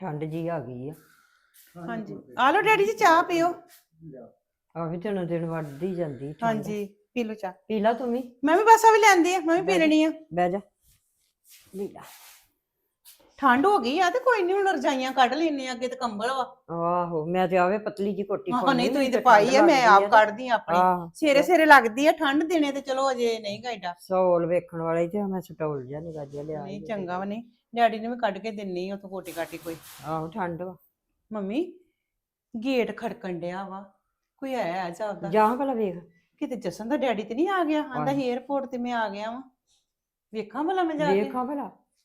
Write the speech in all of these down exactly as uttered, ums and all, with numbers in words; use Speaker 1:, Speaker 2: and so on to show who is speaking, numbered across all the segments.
Speaker 1: ਠੰਡ ਜੀ ਆ ਗਈ ਆ।
Speaker 2: ਹਾਂਜੀ ਆ ਲਓ ਡੈਡੀ ਜੀ ਚਾਹ ਪੀਓ।
Speaker 1: ਆ ਵੀ ਦਿਨੋਂ ਦਿਨ ਵੱਧਦੀ ਜਾਂਦੀ ਠੰਡ।
Speaker 2: ਹਾਂਜੀ ਪੀ ਲਓ ਚਾਹ।
Speaker 1: ਪੀ ਲਾ ਤੂੰ ਵੀ।
Speaker 2: ਮੈਂ ਵੀ ਬਸ ਆ ਵੀ ਲੈਂਦੀ ਆ, ਮੈਂ ਵੀ ਪੀ ਲੈਣੀ ਆ।
Speaker 1: ਬਹਿ ਜਾ ਪੀ ਲਾ।
Speaker 2: ਠੰਡ ਹੋ ਗਈ ਆ ਤੇ ਕੋਈ ਨਹੀਂ, ਹੁਣ ਰਜਾਈਆਂ ਕੱਢ ਲੈਨੇ ਆ, ਅੱਗੇ ਤੇ ਕੰਬਲ ਵਾ।
Speaker 1: ਆਹੋ ਮੈਂ ਤੇ ਆਵੇ ਪਤਲੀ ਜੀ ਕੋਟੀ
Speaker 2: ਆਹੋ
Speaker 1: ਪਾਉਣੀ।
Speaker 2: ਨਹੀਂ ਤੁਸੀਂ ਤੇ ਪਾਈ ਆ, ਮੈਂ ਆਪ ਕੱਢਦੀ ਆ ਆਪਣੀ। ਸਵੇਰੇ ਸਵੇਰੇ ਲੱਗਦੀ ਆ ਠੰਡ, ਦਿਨੇ ਤੇ ਚਲੋ ਅਜੇ ਨਹੀਂ ਗਾਇਡਾ।
Speaker 1: ਸੌਲ ਵੇਖਣ ਵਾਲੇ ਤੇ ਮੈਂ ਸਟੋਲ ਜਿਹਾ ਨਿਕਾ ਜਿਹਾ ਲਿਆ।
Speaker 2: ਨਹੀਂ ਚੰਗਾ ਵਾ, ਨਹੀਂ ਡੈਡੀ ਨੇ ਵੀ ਕੱਢ ਕੇ ਦਿੰਨੀ ਆ ਉਥੋਂ ਕੋਟੀ ਕਾਟੀ ਕੋਈ।
Speaker 1: ਆਹੋ ਠੰਡ ਵਾ।
Speaker 2: ਮੰਮੀ ਗੇਟ ਖੜਕਣ ਡਿਆ ਵਾ, ਕੋਈ ਆਇਆ ਜਾਪਦਾ।
Speaker 1: ਜਾ ਭਲਾ ਵੇਖ।
Speaker 2: ਕਿਤੇ ਜਸਨ ਦਾ ਡੈਡੀ ਤੇ ਨਹੀਂ ਆ ਗਿਆ? ਆਂਦਾ ਸੀ 에어ਪੋਰਟ ਤੇ ਮੈਂ ਆ ਗਿਆ ਵਾਂ। ਵੇਖਾਂ ਭਲਾ ਮੈਂ ਜਾ ਕੇ।
Speaker 1: ਵੇਖਾਂ ਭਲਾ।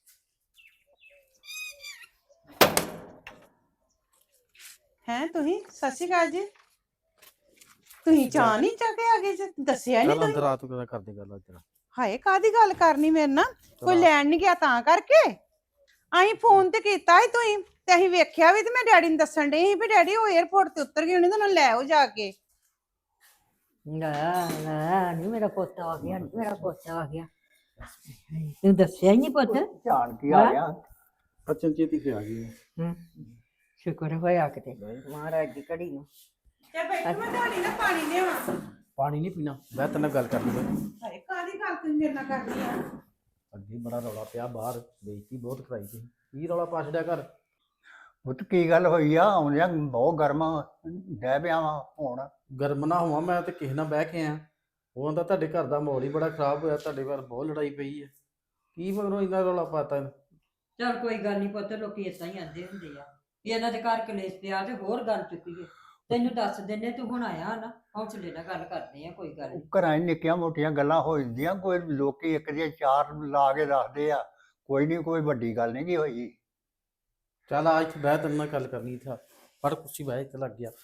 Speaker 2: ਹੈਂ ਤੁਸੀਂ? ਸਤਿ ਸ਼੍ਰੀ ਅਕਾਲ ਜੀ। ਤੁਸੀਂ ਚਾਹ ਨਹੀਂ ਚਾਹ ਕੇ ਆ ਗਏ ਜੀ? ਦੱਸਿਆ ਨਹੀਂ ਤੁਸੀਂ?
Speaker 3: ਅੰਦਰ ਰਾਤ ਨੂੰ ਕਿਹਦਾ ਕਰਦੇ ਗੱਲ ਅੱਜ?
Speaker 2: ਹਾਏ ਕਾਦੀ ਗੱਲ ਕਰਨੀ ਮੇਰੇ ਨਾਲ? ਕੋਈ ਲੈਣ ਨਹੀਂ ਗਿਆ ਤਾਂ ਕਰਕੇ? ਅਸੀਂ ਫੋਨ ਤੇ ਕੀਤਾ ਸੀ ਤੁਸੀਂ ਤੇ ਅਸੀਂ ਵੇਖਿਆ ਵੀ, ਤੇ ਮੈਂ ਡੈਡੀ ਨੂੰ ਦੱਸਣ ਡਈ ਸੀ ਵੀ ਡੈਡੀ ਉਹ 에어ਪੋਰਟ ਤੇ ਉਤਰ ਗਏ ਹੋਣੇ, ਤਾਂ ਉਹਨਾਂ ਨੂੰ ਲੈ ਆਓ ਜਾ ਕੇ।
Speaker 1: ਨਾ ਨਾ ਨਹੀਂ ਮੇਰਾ ਪੁੱਤ ਆ ਗਿਆ, ਮੇਰਾ ਪੁੱਤ ਆ ਗਿਆ। ਤੂੰ ਦੱਸਿਆ ਹੀ ਨਹੀਂ ਪੁੱਤ।
Speaker 4: ਜਾਣ ਕੀ ਆ ਗਿਆ?
Speaker 3: ਬਚਨ ਚੇਤੀ ਤੇ ਆ ਗਈ।
Speaker 1: ਹੂੰ ਸ਼ੁਕਰ ਹੋਇਆ ਕਿਤੇ ਮਹਾਰਾਜ ਦੀ ਘੜੀ ਨੂੰ।
Speaker 2: ਤੇ ਬੈਠੋ, ਮੈਂ ਤੁਹਾਡੀ ਨਾ ਪਾਣੀ ਲਿਆਵਾਂ।
Speaker 3: ਪਾਣੀ ਨਹੀਂ ਪੀਣਾ, ਮੈਂ ਤੇਰੇ ਨਾਲ ਗੱਲ ਕਰਨੀ ਹੈ।
Speaker 2: ਹਾਏ ਕਾਦੀ ਗੱਲ ਤੁਸੀਂ ਮੇਰੇ ਨਾਲ ਕਰਨੀ ਆ?
Speaker 3: ਅੱਗੇ ਬੜਾ ਰੌਲਾ ਪਿਆ ਬਾਹਰ, ਬੇਇੱਜ਼ਤੀ ਬਹੁਤ ਕਰਾਈ ਤੁਸੀਂ। ਕੀ ਰੌਲਾ ਪਾ ਛੱਡਿਆ ਘਰ?
Speaker 4: ਪੁੱਤ ਕੀ ਗੱਲ ਹੋਈ ਆ? ਆਉਂਦਿਆਂ ਬਹੁਤ ਗਰਮ ਡਹਿ ਪਿਆ ਵਾ ਹੁਣ।
Speaker 3: ਗਰਮ ਨਾ ਹੋਵਾਂ, ਮੈਂ ਤੇ ਕਿਸੇ ਨਾਲ ਬਹਿ ਕੇ ਆਇਆ। ਉਹ ਆਂਦਾ ਤੁਹਾਡੇ ਘਰ ਦਾ ਮਾਹੌਲ ਹੀ ਬੜਾ ਖਰਾਬ ਹੋਇਆ, ਤੁਹਾਡੇ ਘਰ ਬਹੁਤ ਲੜਾਈ ਪਈ ਹੈ। ਕੀ ਮਗਰੋਂ ਇੰਨਾ ਰੌਲਾ ਪਾਤਾ?
Speaker 1: ਚਲ ਕੋਈ ਗੱਲ ਨਹੀਂ ਪੁੱਤ, ਲੋਕੀ ਇਦਾਂ ਹੀ ਆਂਦੇ ਹੁੰਦੇ ਆ ਵੀ ਇਹਨਾਂ ਦੇ ਘਰ ਕਲੇਸ਼ ਪਿਆ ਤੇ ਹੋਰ ਗੱਲ ਚੁੱਕੀਏ। ਤੈਨੂੰ ਦੱਸ ਦਿੰਨੇ, ਤੂੰ ਹੁਣ ਆਇਆ ਨਾ, ਹੌਸਲੇ ਨਾਲ ਗੱਲ ਕਰਦੇ ਆ, ਕੋਈ ਗੱਲ ਨਹੀਂ।
Speaker 4: ਘਰਾਂ 'ਚ ਨਿੱਕੀਆਂ ਮੋਟੀਆਂ ਗੱਲਾਂ ਹੋ ਜਾਂਦੀਆਂ, ਕੋਈ ਲੋਕੀ ਇੱਕ ਦੀਆਂ ਚਾਰ ਲਾ ਕੇ ਦੱਸਦੇ ਆ। ਕੋਈ ਨਹੀਂ, ਕੋਈ ਵੱਡੀ ਗੱਲ ਨਹੀਂ ਕੀ ਹੋਈ।
Speaker 3: ਚੱਲ ਆ ਇੱਥੇ ਬਹਿ, ਤੇਰੇ ਨਾਲ ਗੱਲ ਕਰਨੀ ਇੱਥੇ। ਫੜ ਕੁਰਸੀ ਬਹਿ, ਇੱਥੇ ਲੱਗ ਗਿਆ।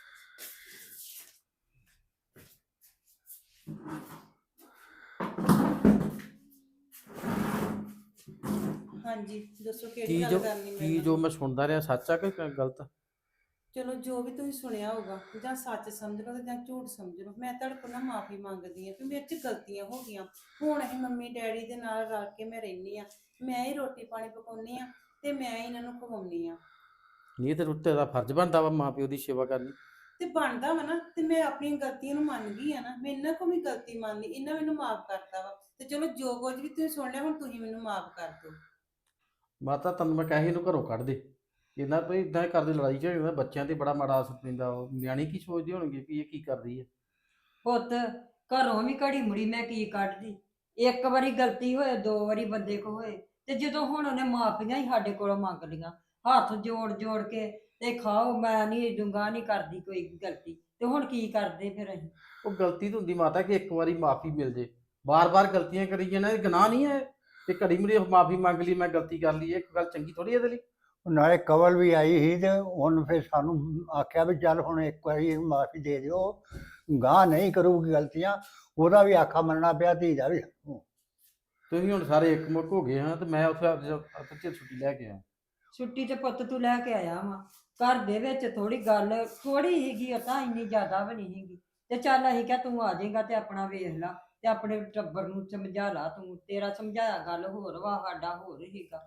Speaker 2: ਹਾਂਜੀ ਦੱਸੋ
Speaker 3: ਕੀ
Speaker 2: ਕਿਹੜੀ
Speaker 3: ਜੋ
Speaker 2: ਗੱਲ ਕਰਨੀ
Speaker 3: ਕੀ
Speaker 2: ਮੇਰੇ
Speaker 3: ਜੋ
Speaker 2: ਨਾਲ?
Speaker 3: ਮੈਂ ਸੁਣਦਾ ਰਿਹਾ ਸੱਚ ਆ ਕਿ ਗਲਤ?
Speaker 2: ਚਲੋ ਜੋ ਵੀ ਤੁਸੀਂ ਸੁਣਿਆ ਹੋਊਗਾ, ਜਾਂ ਸੱਚ ਸਮਝ ਲਓ ਤੇ ਜਾਂ ਝੂਠ ਸਮਝ ਲਓ, ਮੈਂ ਤੁਹਾਡੇ ਕੋਲ ਨਾ ਮਾਫੀ ਮੰਗਦੀ ਆ ਕਿ ਮੇਰੇ 'ਚ ਗਲਤੀਆਂ ਹੋ ਗਈਆਂ। ਹੁਣ ਅਸੀਂ ਮੰਮੀ ਡੈਡੀ ਦੇ ਨਾਲ ਰਲ ਕੇ ਮੈਂ ਰਹਿੰਦੀ ਆ, ਮੈਂ ਹੀ ਰੋਟੀ ਪਾਣੀ ਪਕਾਉਂਦੀ ਆ ਤੇ ਮੈਂ ਹੀ ਇਹਨਾਂ ਨੂੰ ਖਵਾਉਂਦੀ ਆ।
Speaker 3: ਇਹ ਤੇ ਤੇਰਾ ਫਰਜ਼ ਬਣਦਾ ਵਾ ਮਾਂ ਪਿਓ ਦੀ ਸੇਵਾ ਕਰਨੀ।
Speaker 2: ਤੇ ਬਣਦਾ ਵਾ ਨਾ, ਤੇ ਮੈਂ ਆਪਣੀਆਂ ਗਲਤੀਆਂ ਨੂੰ ਮੰਨ ਗਈ ਆ ਨਾ, ਮੈਂ ਇਹਨਾਂ ਕੋਲ ਵੀ ਗਲਤੀ ਮੰਨ ਲਈ, ਇਹਨਾਂ ਮੈਨੂੰ ਮਾਫ ਕਰਤਾ ਵਾ। ਤੇ ਚਲੋ ਜੋ ਕੁਝ ਵੀ ਤੁਸੀਂ ਸੁਣ ਲਿਆ, ਹੁਣ ਤੁਸੀਂ ਮੈਨੂੰ ਮਾਫ ਕਰ ਦਿਓ।
Speaker 3: ਮਾਤਾ ਤੈਨੂੰ ਮੈਂ ਕਹੇ ਇਹਨੂੰ ਘਰੋਂ ਕੱਢ ਦੇ। ਇਹਨਾਂ ਭਈ ਇਦਾਂ ਕਰਦੇ ਲੜਾਈ ਝਗੜੇ, ਬੱਚਿਆਂ ਤੇ ਬੜਾ ਮਾੜਾ ਅਸਰ ਪੈਂਦਾ। ਉਹ ਨਿਆਣੇ ਕੀ ਸੋਚਦੇ ਹੋਣਗੇ ਵੀ ਇਹ ਕੀ ਕਰਦੀ ਹੈ?
Speaker 1: ਪੁੱਤ ਘਰੋਂ ਵੀ ਘੜੀ ਮੁੜੀ ਮੈਂ ਕੀ ਕੱਢਦੀ। ਇੱਕ ਵਾਰੀ ਗਲਤੀ ਹੋਏ, ਦੋ ਵਾਰੀ ਬੰਦੇ ਕੋ ਹੋਏ, ਤੇ ਜਦੋਂ ਹੁਣ ਉਹਨੇ ਮਾਫੀਆਂ ਹੀ ਸਾਡੇ ਕੋਲੋਂ ਮੰਗ ਲੀਆਂ ਹੱਥ ਜੋੜ ਜੋੜ ਕੇ, ਤੇ ਖਾਓ ਮੈਂ ਨਹੀਂ ਡੂੰਗਾ ਨਹੀਂ ਕਰਦੀ ਕੋਈ ਗਲਤੀ, ਤੇ ਹੁਣ ਕੀ ਕਰਦੇ ਫਿਰ ਅਸੀਂ?
Speaker 3: ਉਹ ਗਲਤੀ ਤਾਂ ਹੁੰਦੀ ਮਾਤਾ ਕਿ ਇੱਕ ਵਾਰੀ ਮਾਫੀ ਮਿਲ ਜੇ। ਬਾਰ-ਬਾਰ ਗਲਤੀਆਂ ਕਰੀ ਜਾਣਾ ਇਹ ਗੁਨਾਹ ਨਹੀਂ ਹੈ। ਤੇ ਘੜੀ ਮੁੜੀ ਮਾਫੀ ਮੰਗ ਲਈ, ਮੈਂ ਗਲਤੀ ਕਰ ਲਈ, ਇਹ ਗੱਲ ਚੰਗੀ ਥੋੜੀ ਇਹਦੇ ਲਈ।
Speaker 4: ਨਾਲੇ ਕਵਲ ਵੀ ਆਈ ਸੀ ਤੇ ਉਹਨ ਫਿਰ ਸਾਨੂੰ ਆਖਿਆ ਵੀ ਚੱਲ ਹੁਣ ਇੱਕ ਵਾਰੀ ਮਾਫੀ ਦੇ ਦਿਓ, ਗਾਹ ਨਹੀਂ ਕਰੂਗੀ ਗਲਤੀਆਂ। ਉਹਦਾ ਵੀ ਆਖਾ ਮੰਨਣਾ ਪਿਆ, ਧੀ ਦਾ ਵੀ।
Speaker 3: ਤੁਸੀਂ ਹੁਣ ਸਾਰੇ ਇੱਕ ਮੁੱਕ ਹੋ ਗਏ ਹਾਂ, ਤੇ ਮੈਂ ਉੱਥੇ ਅੱਜ ਛੁੱਟੀ ਲੈ ਕੇ ਆਇਆ।
Speaker 1: ਛੁੱਟੀ ਤੇ ਪੁੱਤ ਤੂੰ ਲੈ ਕੇ ਆਇਆ ਵਾ, ਘਰ ਦੇ ਵਿੱਚ ਥੋੜੀ ਗੱਲ ਥੋੜੀ ਹੀਗੀ, ਉਹ ਤਾਂ ਇੰਨੀ ਜ਼ਿਆਦਾ ਵੀ ਨਹੀਂ ਹੈਗੀ। ਤੇ ਚੱਲ ਅਸੀਂ ਕਿਹਾ ਤੂੰ ਆ ਜਾਏਗਾ ਤੇ ਆਪਣਾ ਵੇਖ ਲਾ, ਤੇ ਆਪਣੇ ਟੱਬਰ ਨੂੰ ਸਮਝਾ ਲਾ ਤੂੰ। ਤੇਰਾ ਸਮਝਾਇਆ ਗੱਲ ਹੋਰ ਵਾ, ਸਾਡਾ ਹੋਰ ਹੀਗਾ।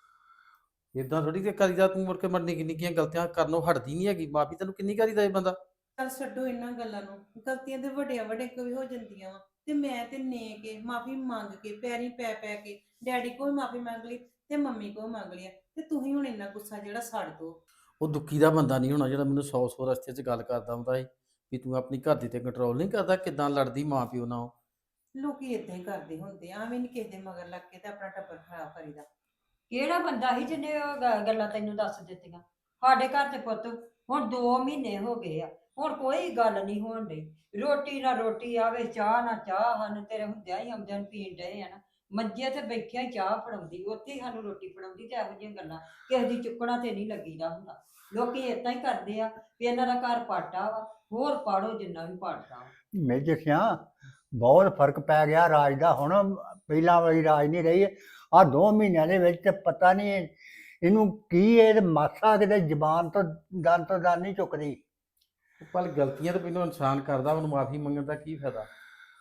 Speaker 3: ਇਦਾਂ ਥੋੜੀ ਕਿ ਕਰੀਦਾ, ਤੂੰ ਮੁੜ ਕੇ ਮਰ ਨਿੱਕੀ ਨਿੱਕੀਆਂ ਗਲਤੀਆਂ ਕਰਨੋਂ ਹਟਦੀ ਨਹੀਂ ਹੈਗੀ। ਮਾਫੀ ਤੈਨੂੰ ਕਿੰਨੀ ਕਰੀਦਾ ਇਹ ਬੰਦਾ?
Speaker 2: ਚੱਲ ਛੱਡੋ ਇਹਨਾਂ ਗੱਲਾਂ ਨੂੰ, ਗਲਤੀਆਂ ਤੇ ਵੱਡਿਆਂ ਵੱਡੇ ਕੋ ਵੀ ਹੋ ਜਾਂਦੀਆਂ ਵਾ। ਤੇ ਮੈਂ ਤੇ ਨੇ ਕੇ ਮਾਫੀ ਮੰਗ ਕੇ ਪੈਰੀ ਪੈ ਪੈ ਕੇ ਡੈਡੀ ਕੋਲ ਮਾਫੀ ਮੰਗ ਲਈ ਤੇ ਮੰਮੀ ਕੋਲ ਮੰਗ ਲਿਆ, ਤੇ ਤੁਸੀਂ ਹੁਣ ਇੰਨਾ ਗੁੱਸਾ ਜਿਹੜਾ ਛੱਡ ਦੋ।
Speaker 3: ਉਹ ਦੁੱਖੀ ਦਾ ਬੰਦਾ ਨਹੀਂ ਹੋਣਾ ਜਿਹੜਾ ਮੈਨੂੰ ਸੌ ਸੌ ਰਸਤੇ 'ਚ ਗੱਲ ਕਰਦਾ ਹੁੰਦਾ ਸੀ ਵੀ ਤੂੰ ਆਪਣੀ ਘਰ ਦੀ ਤੇ ਕੰਟਰੋਲ ਨਹੀਂ ਕਰਦਾ। ਕਿੱਦਾਂ ਲੜਦੀ ਮਾਂ ਪਿਓ ਨਾਲ।
Speaker 2: ਲੋਕੀ ਇਦਾਂ ਹੀ ਕਰਦੇ ਹੁੰਦੇ ਆ, ਐਵੇਂ ਨੀ ਕਿਸੇ ਦੇ ਮਗਰ ਲੱਗ ਕੇ ਤੇ ਆਪਣਾ ਟੱਬਰ ਖਰਾਬ ਕਰੀਦਾ।
Speaker 1: ਕਿਹੜਾ ਬੰਦਾ ਸੀ ਜਿਹਨੇ ਉਹ ਗ- ਗੱਲਾਂ ਤੈਨੂੰ ਦੱਸ ਦਿੱਤੀਆਂ? ਸਾਡੇ ਘਰ ਤੇ ਪੁੱਤ ਹੁਣ ਦੋ ਮਹੀਨੇ ਹੋ ਗਏ ਆ, ਹੁਣ ਕੋਈ ਗੱਲ ਨਹੀਂ ਹੋਣ ਡਈ। ਰੋਟੀ ਨਾ ਰੋਟੀ ਆਵੇ, ਚਾਹ ਨਾ ਚਾਹ। ਹਨ ਤੇਰੇ ਹੁੰਦਿਆਂ ਹੀ ਆਉਂਦਿਆਂ ਨੂੰ ਪੀਣ ਡਏ ਆ ਨਾ, ਮੰਜੇ ਤੇ ਬੈਠਿਆਂ ਹੀ ਚਾਹ ਫੜਾਉਂਦੀ, ਉੱਥੇ ਹੀ ਸਾਨੂੰ ਰੋਟੀ ਫੜਾਉਂਦੀ। ਤੇ ਇਹੋ ਜਿਹੀਆਂ ਗੱਲਾਂ ਕਿਸੇ ਦੀ ਚੁੱਕਣਾ ਤੇ ਨਹੀਂ ਲੱਗੀਦਾ ਹੁੰਦਾ। ਲੋਕੀ ਏਦਾਂ ਹੀ ਕਰਦੇ ਆ ਵੀ ਇਹਨਾਂ ਦਾ ਘਰ ਪਾਟਾ ਵਾ, ਹੋਰ ਪਾੜੋ ਜਿੰਨਾ ਵੀ ਪਾੜਦਾ ਵਾ।
Speaker 4: ਮੇਜਰ ਸਿਆਂ ਬਹੁਤ ਫਰਕ ਪੈ ਗਿਆ ਰਾਜ ਦਾ। ਹੁਣ ਪਹਿਲਾਂ ਵਾਲੀ ਰਾਜ ਨਹੀਂ ਰਹੀ। ਆਹ ਦੋ ਮਹੀਨਿਆਂ ਦੇ ਵਿੱਚ ਤੇ ਪਤਾ ਨਹੀਂ ਇਹਨੂੰ ਕੀ ਇਹ ਮਾਸਾ ਕਿਤੇ ਜ਼ਬਾਨ ਤੋਂ ਦੰਦ ਤੋਂ ਦੰਦ ਨਹੀਂ ਚੁੱਕਦੀ।
Speaker 3: ਪਰ ਗਲਤੀਆਂ ਤਾਂ ਪਹਿਲਾਂ ਇਨਸਾਨ ਕਰਦਾ, ਉਹਨੂੰ ਮਾਫੀ ਮੰਗਣ ਦਾ ਕੀ ਫਾਇਦਾ?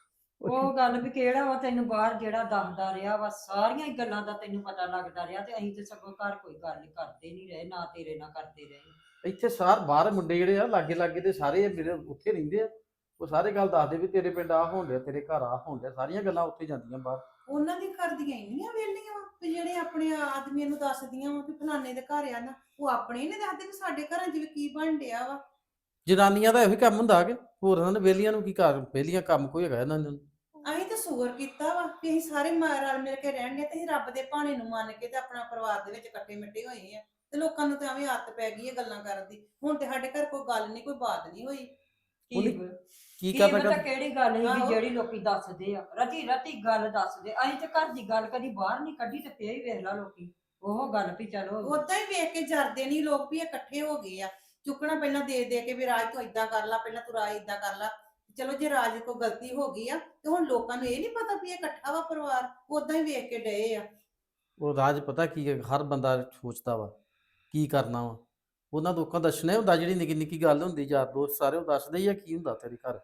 Speaker 1: ਉਹ ਗੱਲ ਵੀ ਕਿਹੜਾ ਵਾ ਤੈਨੂੰ ਬਾਹਰ ਜਿਹੜਾ ਦੱਸਦਾ ਰਿਹਾ ਵਾ, ਸਾਰੀਆਂ ਹੀ ਗੱਲਾਂ ਦਾ ਤੈਨੂੰ ਪਤਾ ਲੱਗਦਾ ਰਿਹਾ, ਤੇ ਅਸੀਂ ਤੇ ਸਗੋਂ ਘਰ ਕੋਈ ਗੱਲ ਕਰਦੇ ਨਹੀਂ ਰਹੇ, ਨਾ ਤੇਰੇ ਨਾਲ ਕਰਦੇ ਰਹੇ।
Speaker 3: ਇੱਥੇ ਸਾਰ ਬਾਹਰ ਮੁੰਡੇ ਜਿਹੜੇ ਆ ਲਾਗੇ ਲਾਗੇ ਦੇ ਸਾਰੇ ਮੇਰੇ ਉੱਥੇ ਰਹਿੰਦੇ ਆ, ਉਹ ਸਾਰੇ ਗੱਲ ਦੱਸਦੇ ਵੀ ਤੇਰੇ ਪਿੰਡ ਆ ਹੋਣ ਡਿਆ, ਤੇਰੇ ਘਰ ਆ ਹੋਣ ਡਿਆ, ਸਾਰੀਆਂ ਗੱਲਾਂ ਉੱਥੇ ਜਾਂਦੀਆਂ ਬਾਹਰ।
Speaker 2: ਉਹਨਾਂ ਦੀ ਕਰਦੀਆਂ ਇੰਨੀਆਂ ਵੇਲੀਆਂ ਵਾ ਵੀ ਜਿਹੜੇ ਆਪਣੇ ਆਦਮੀਆਂ ਨੂੰ ਦੱਸਦੀਆਂ ਵਾ ਵੀ ਫਲਾਣੇ ਦੇ ਘਰ ਆ ਨਾ, ਉਹ ਆਪਣੇ ਹੀ ਨਹੀਂ ਦੱਸਦੇ ਵੀ ਸਾਡੇ ਘਰਾਂ 'ਚ ਵੀ ਕੀ ਬਣ ਡਿਆ ਵਾ।
Speaker 3: ਜਨਾਨੀਆਂ ਦਾ ਇਹੋ ਹੀ ਕੰਮ ਹੁੰਦਾ ਕਿ ਹੋਰ ਇਹਨਾਂ ਨੇ ਵਿਹਲੀਆਂ ਨੂੰ ਕੀ ਕਰ, ਵਿਹਲੀਆਂ ਕੰਮ ਕੋਈ ਹੈਗਾ ਇਹਨਾਂ ਨੂੰ।
Speaker 2: ਅਸੀਂ ਤਾਂ ਸ਼ੁਕਰ ਕੀਤਾ ਵਾ ਵੀ ਅਸੀਂ ਸਾਰੇ ਮ- ਰਲ ਮਿਲ ਕੇ ਰਹਿਣ ਦੇ, ਤੇ ਅਸੀਂ ਰੱਬ ਦੇ ਭਾਣੇ ਨੂੰ ਮੰਨ ਕੇ ਤੇ ਆਪਣਾ ਪਰਿਵਾਰ ਦੇ ਵਿੱਚ ਇਕੱਠੇ ਮਿੱਟੇ ਹੋਏ ਆ, ਤੇ ਲੋਕਾਂ ਨੂੰ ਤਾਂ ਐਵੇਂ ਆਦਤ ਪੈ ਗਈ ਹੈ ਗੱਲਾਂ ਕਰਨ ਦੀ। ਹੁਣ ਤੇ ਸਾਡੇ ਘਰ ਕੋਈ ਗੱਲ ਨਹੀਂ, ਕੋਈ ਬਾਤ ਨਹੀਂ ਹੋਈ।
Speaker 1: ਕੀ
Speaker 3: ਉਹਨੇ
Speaker 1: ਪ-
Speaker 3: ਕੀ
Speaker 1: ਕੀ
Speaker 3: ਕਰਦਾ
Speaker 1: ਪਤਾ
Speaker 3: ਕਰ
Speaker 1: ਕਿਹੜੀ ਗੱਲ ਸੀ
Speaker 2: ਆਹੋ।
Speaker 1: ਜਿਹੜੀ ਲੋਕੀ ਦੱਸਦੇ ਆ, ਰਤੀ ਰਤੀ ਗੱਲ ਦੱਸਦੇ। ਅਸੀਂ ਤੇ ਘਰ ਦੀ ਗੱਲ ਕਦੀ ਬਾਹਰ ਨਹੀਂ ਕੱਢੀ, ਤੇ ਫੇਰ ਹੀ ਵੇਖ ਲਾ ਲੋਕੀ ਉਹ ਗੱਲ ਵੀ ਚਲੋ
Speaker 2: ਉਦਾਂ ਹੀ ਵੇਖ ਕੇ ਜਰਦੇ ਨਹੀਂ ਲੋਕ ਵੀ ਇਹ ਇਕੱਠੇ ਹੋ ਗਏ ਆ। ਚੁੱਕਣਾ ਪਹਿਲਾਂ ਦੇ ਦੇ ਕੇ ਵੀ ਰਾਜ ਤੂੰ ਏਦਾਂ ਕਰ ਲਾ, ਪਹਿਲਾਂ ਤੂੰ ਰਾਜ ਏਦਾਂ ਕਰ ਲਾ। ਚਲੋ ਜੇ ਰਾਜ ਕੋਈ ਗਲਤੀ ਹੋ ਗਈ ਆ ਤੇ ਹੁਣ ਲੋਕਾਂ ਨੂੰ ਇਹ ਨਹੀਂ ਪਤਾ ਵੀ ਇਹ ਇਕੱਠਾ ਵਾ ਪਰਿਵਾਰ, ਉਦਾਂ ਹੀ ਵੇਖ ਕੇ ਡਏ ਆ।
Speaker 3: ਉਹ ਰਾਜ ਪਤਾ ਕੀ ਹੈ, ਹਰ ਬੰਦਾ ਸੋਚਦਾ ਵਾ ਕੀ ਕਰਨਾ ਵਾ, ਉਹਨਾਂ ਲੋਕਾਂ ਦੱਸਣਾ ਹੁੰਦਾ, ਜਿਹੜੀ ਨਿੱਕੀ ਨਿੱਕੀ ਗੱਲ ਹੁੰਦੀ ਯਾਰ ਦੋਸਤ ਸਾਰੇ ਉਹ ਦੱਸਦੇ ਹੀ ਆ ਕੀ ਹੁੰਦਾ ਤੇਰੇ ਘਰ।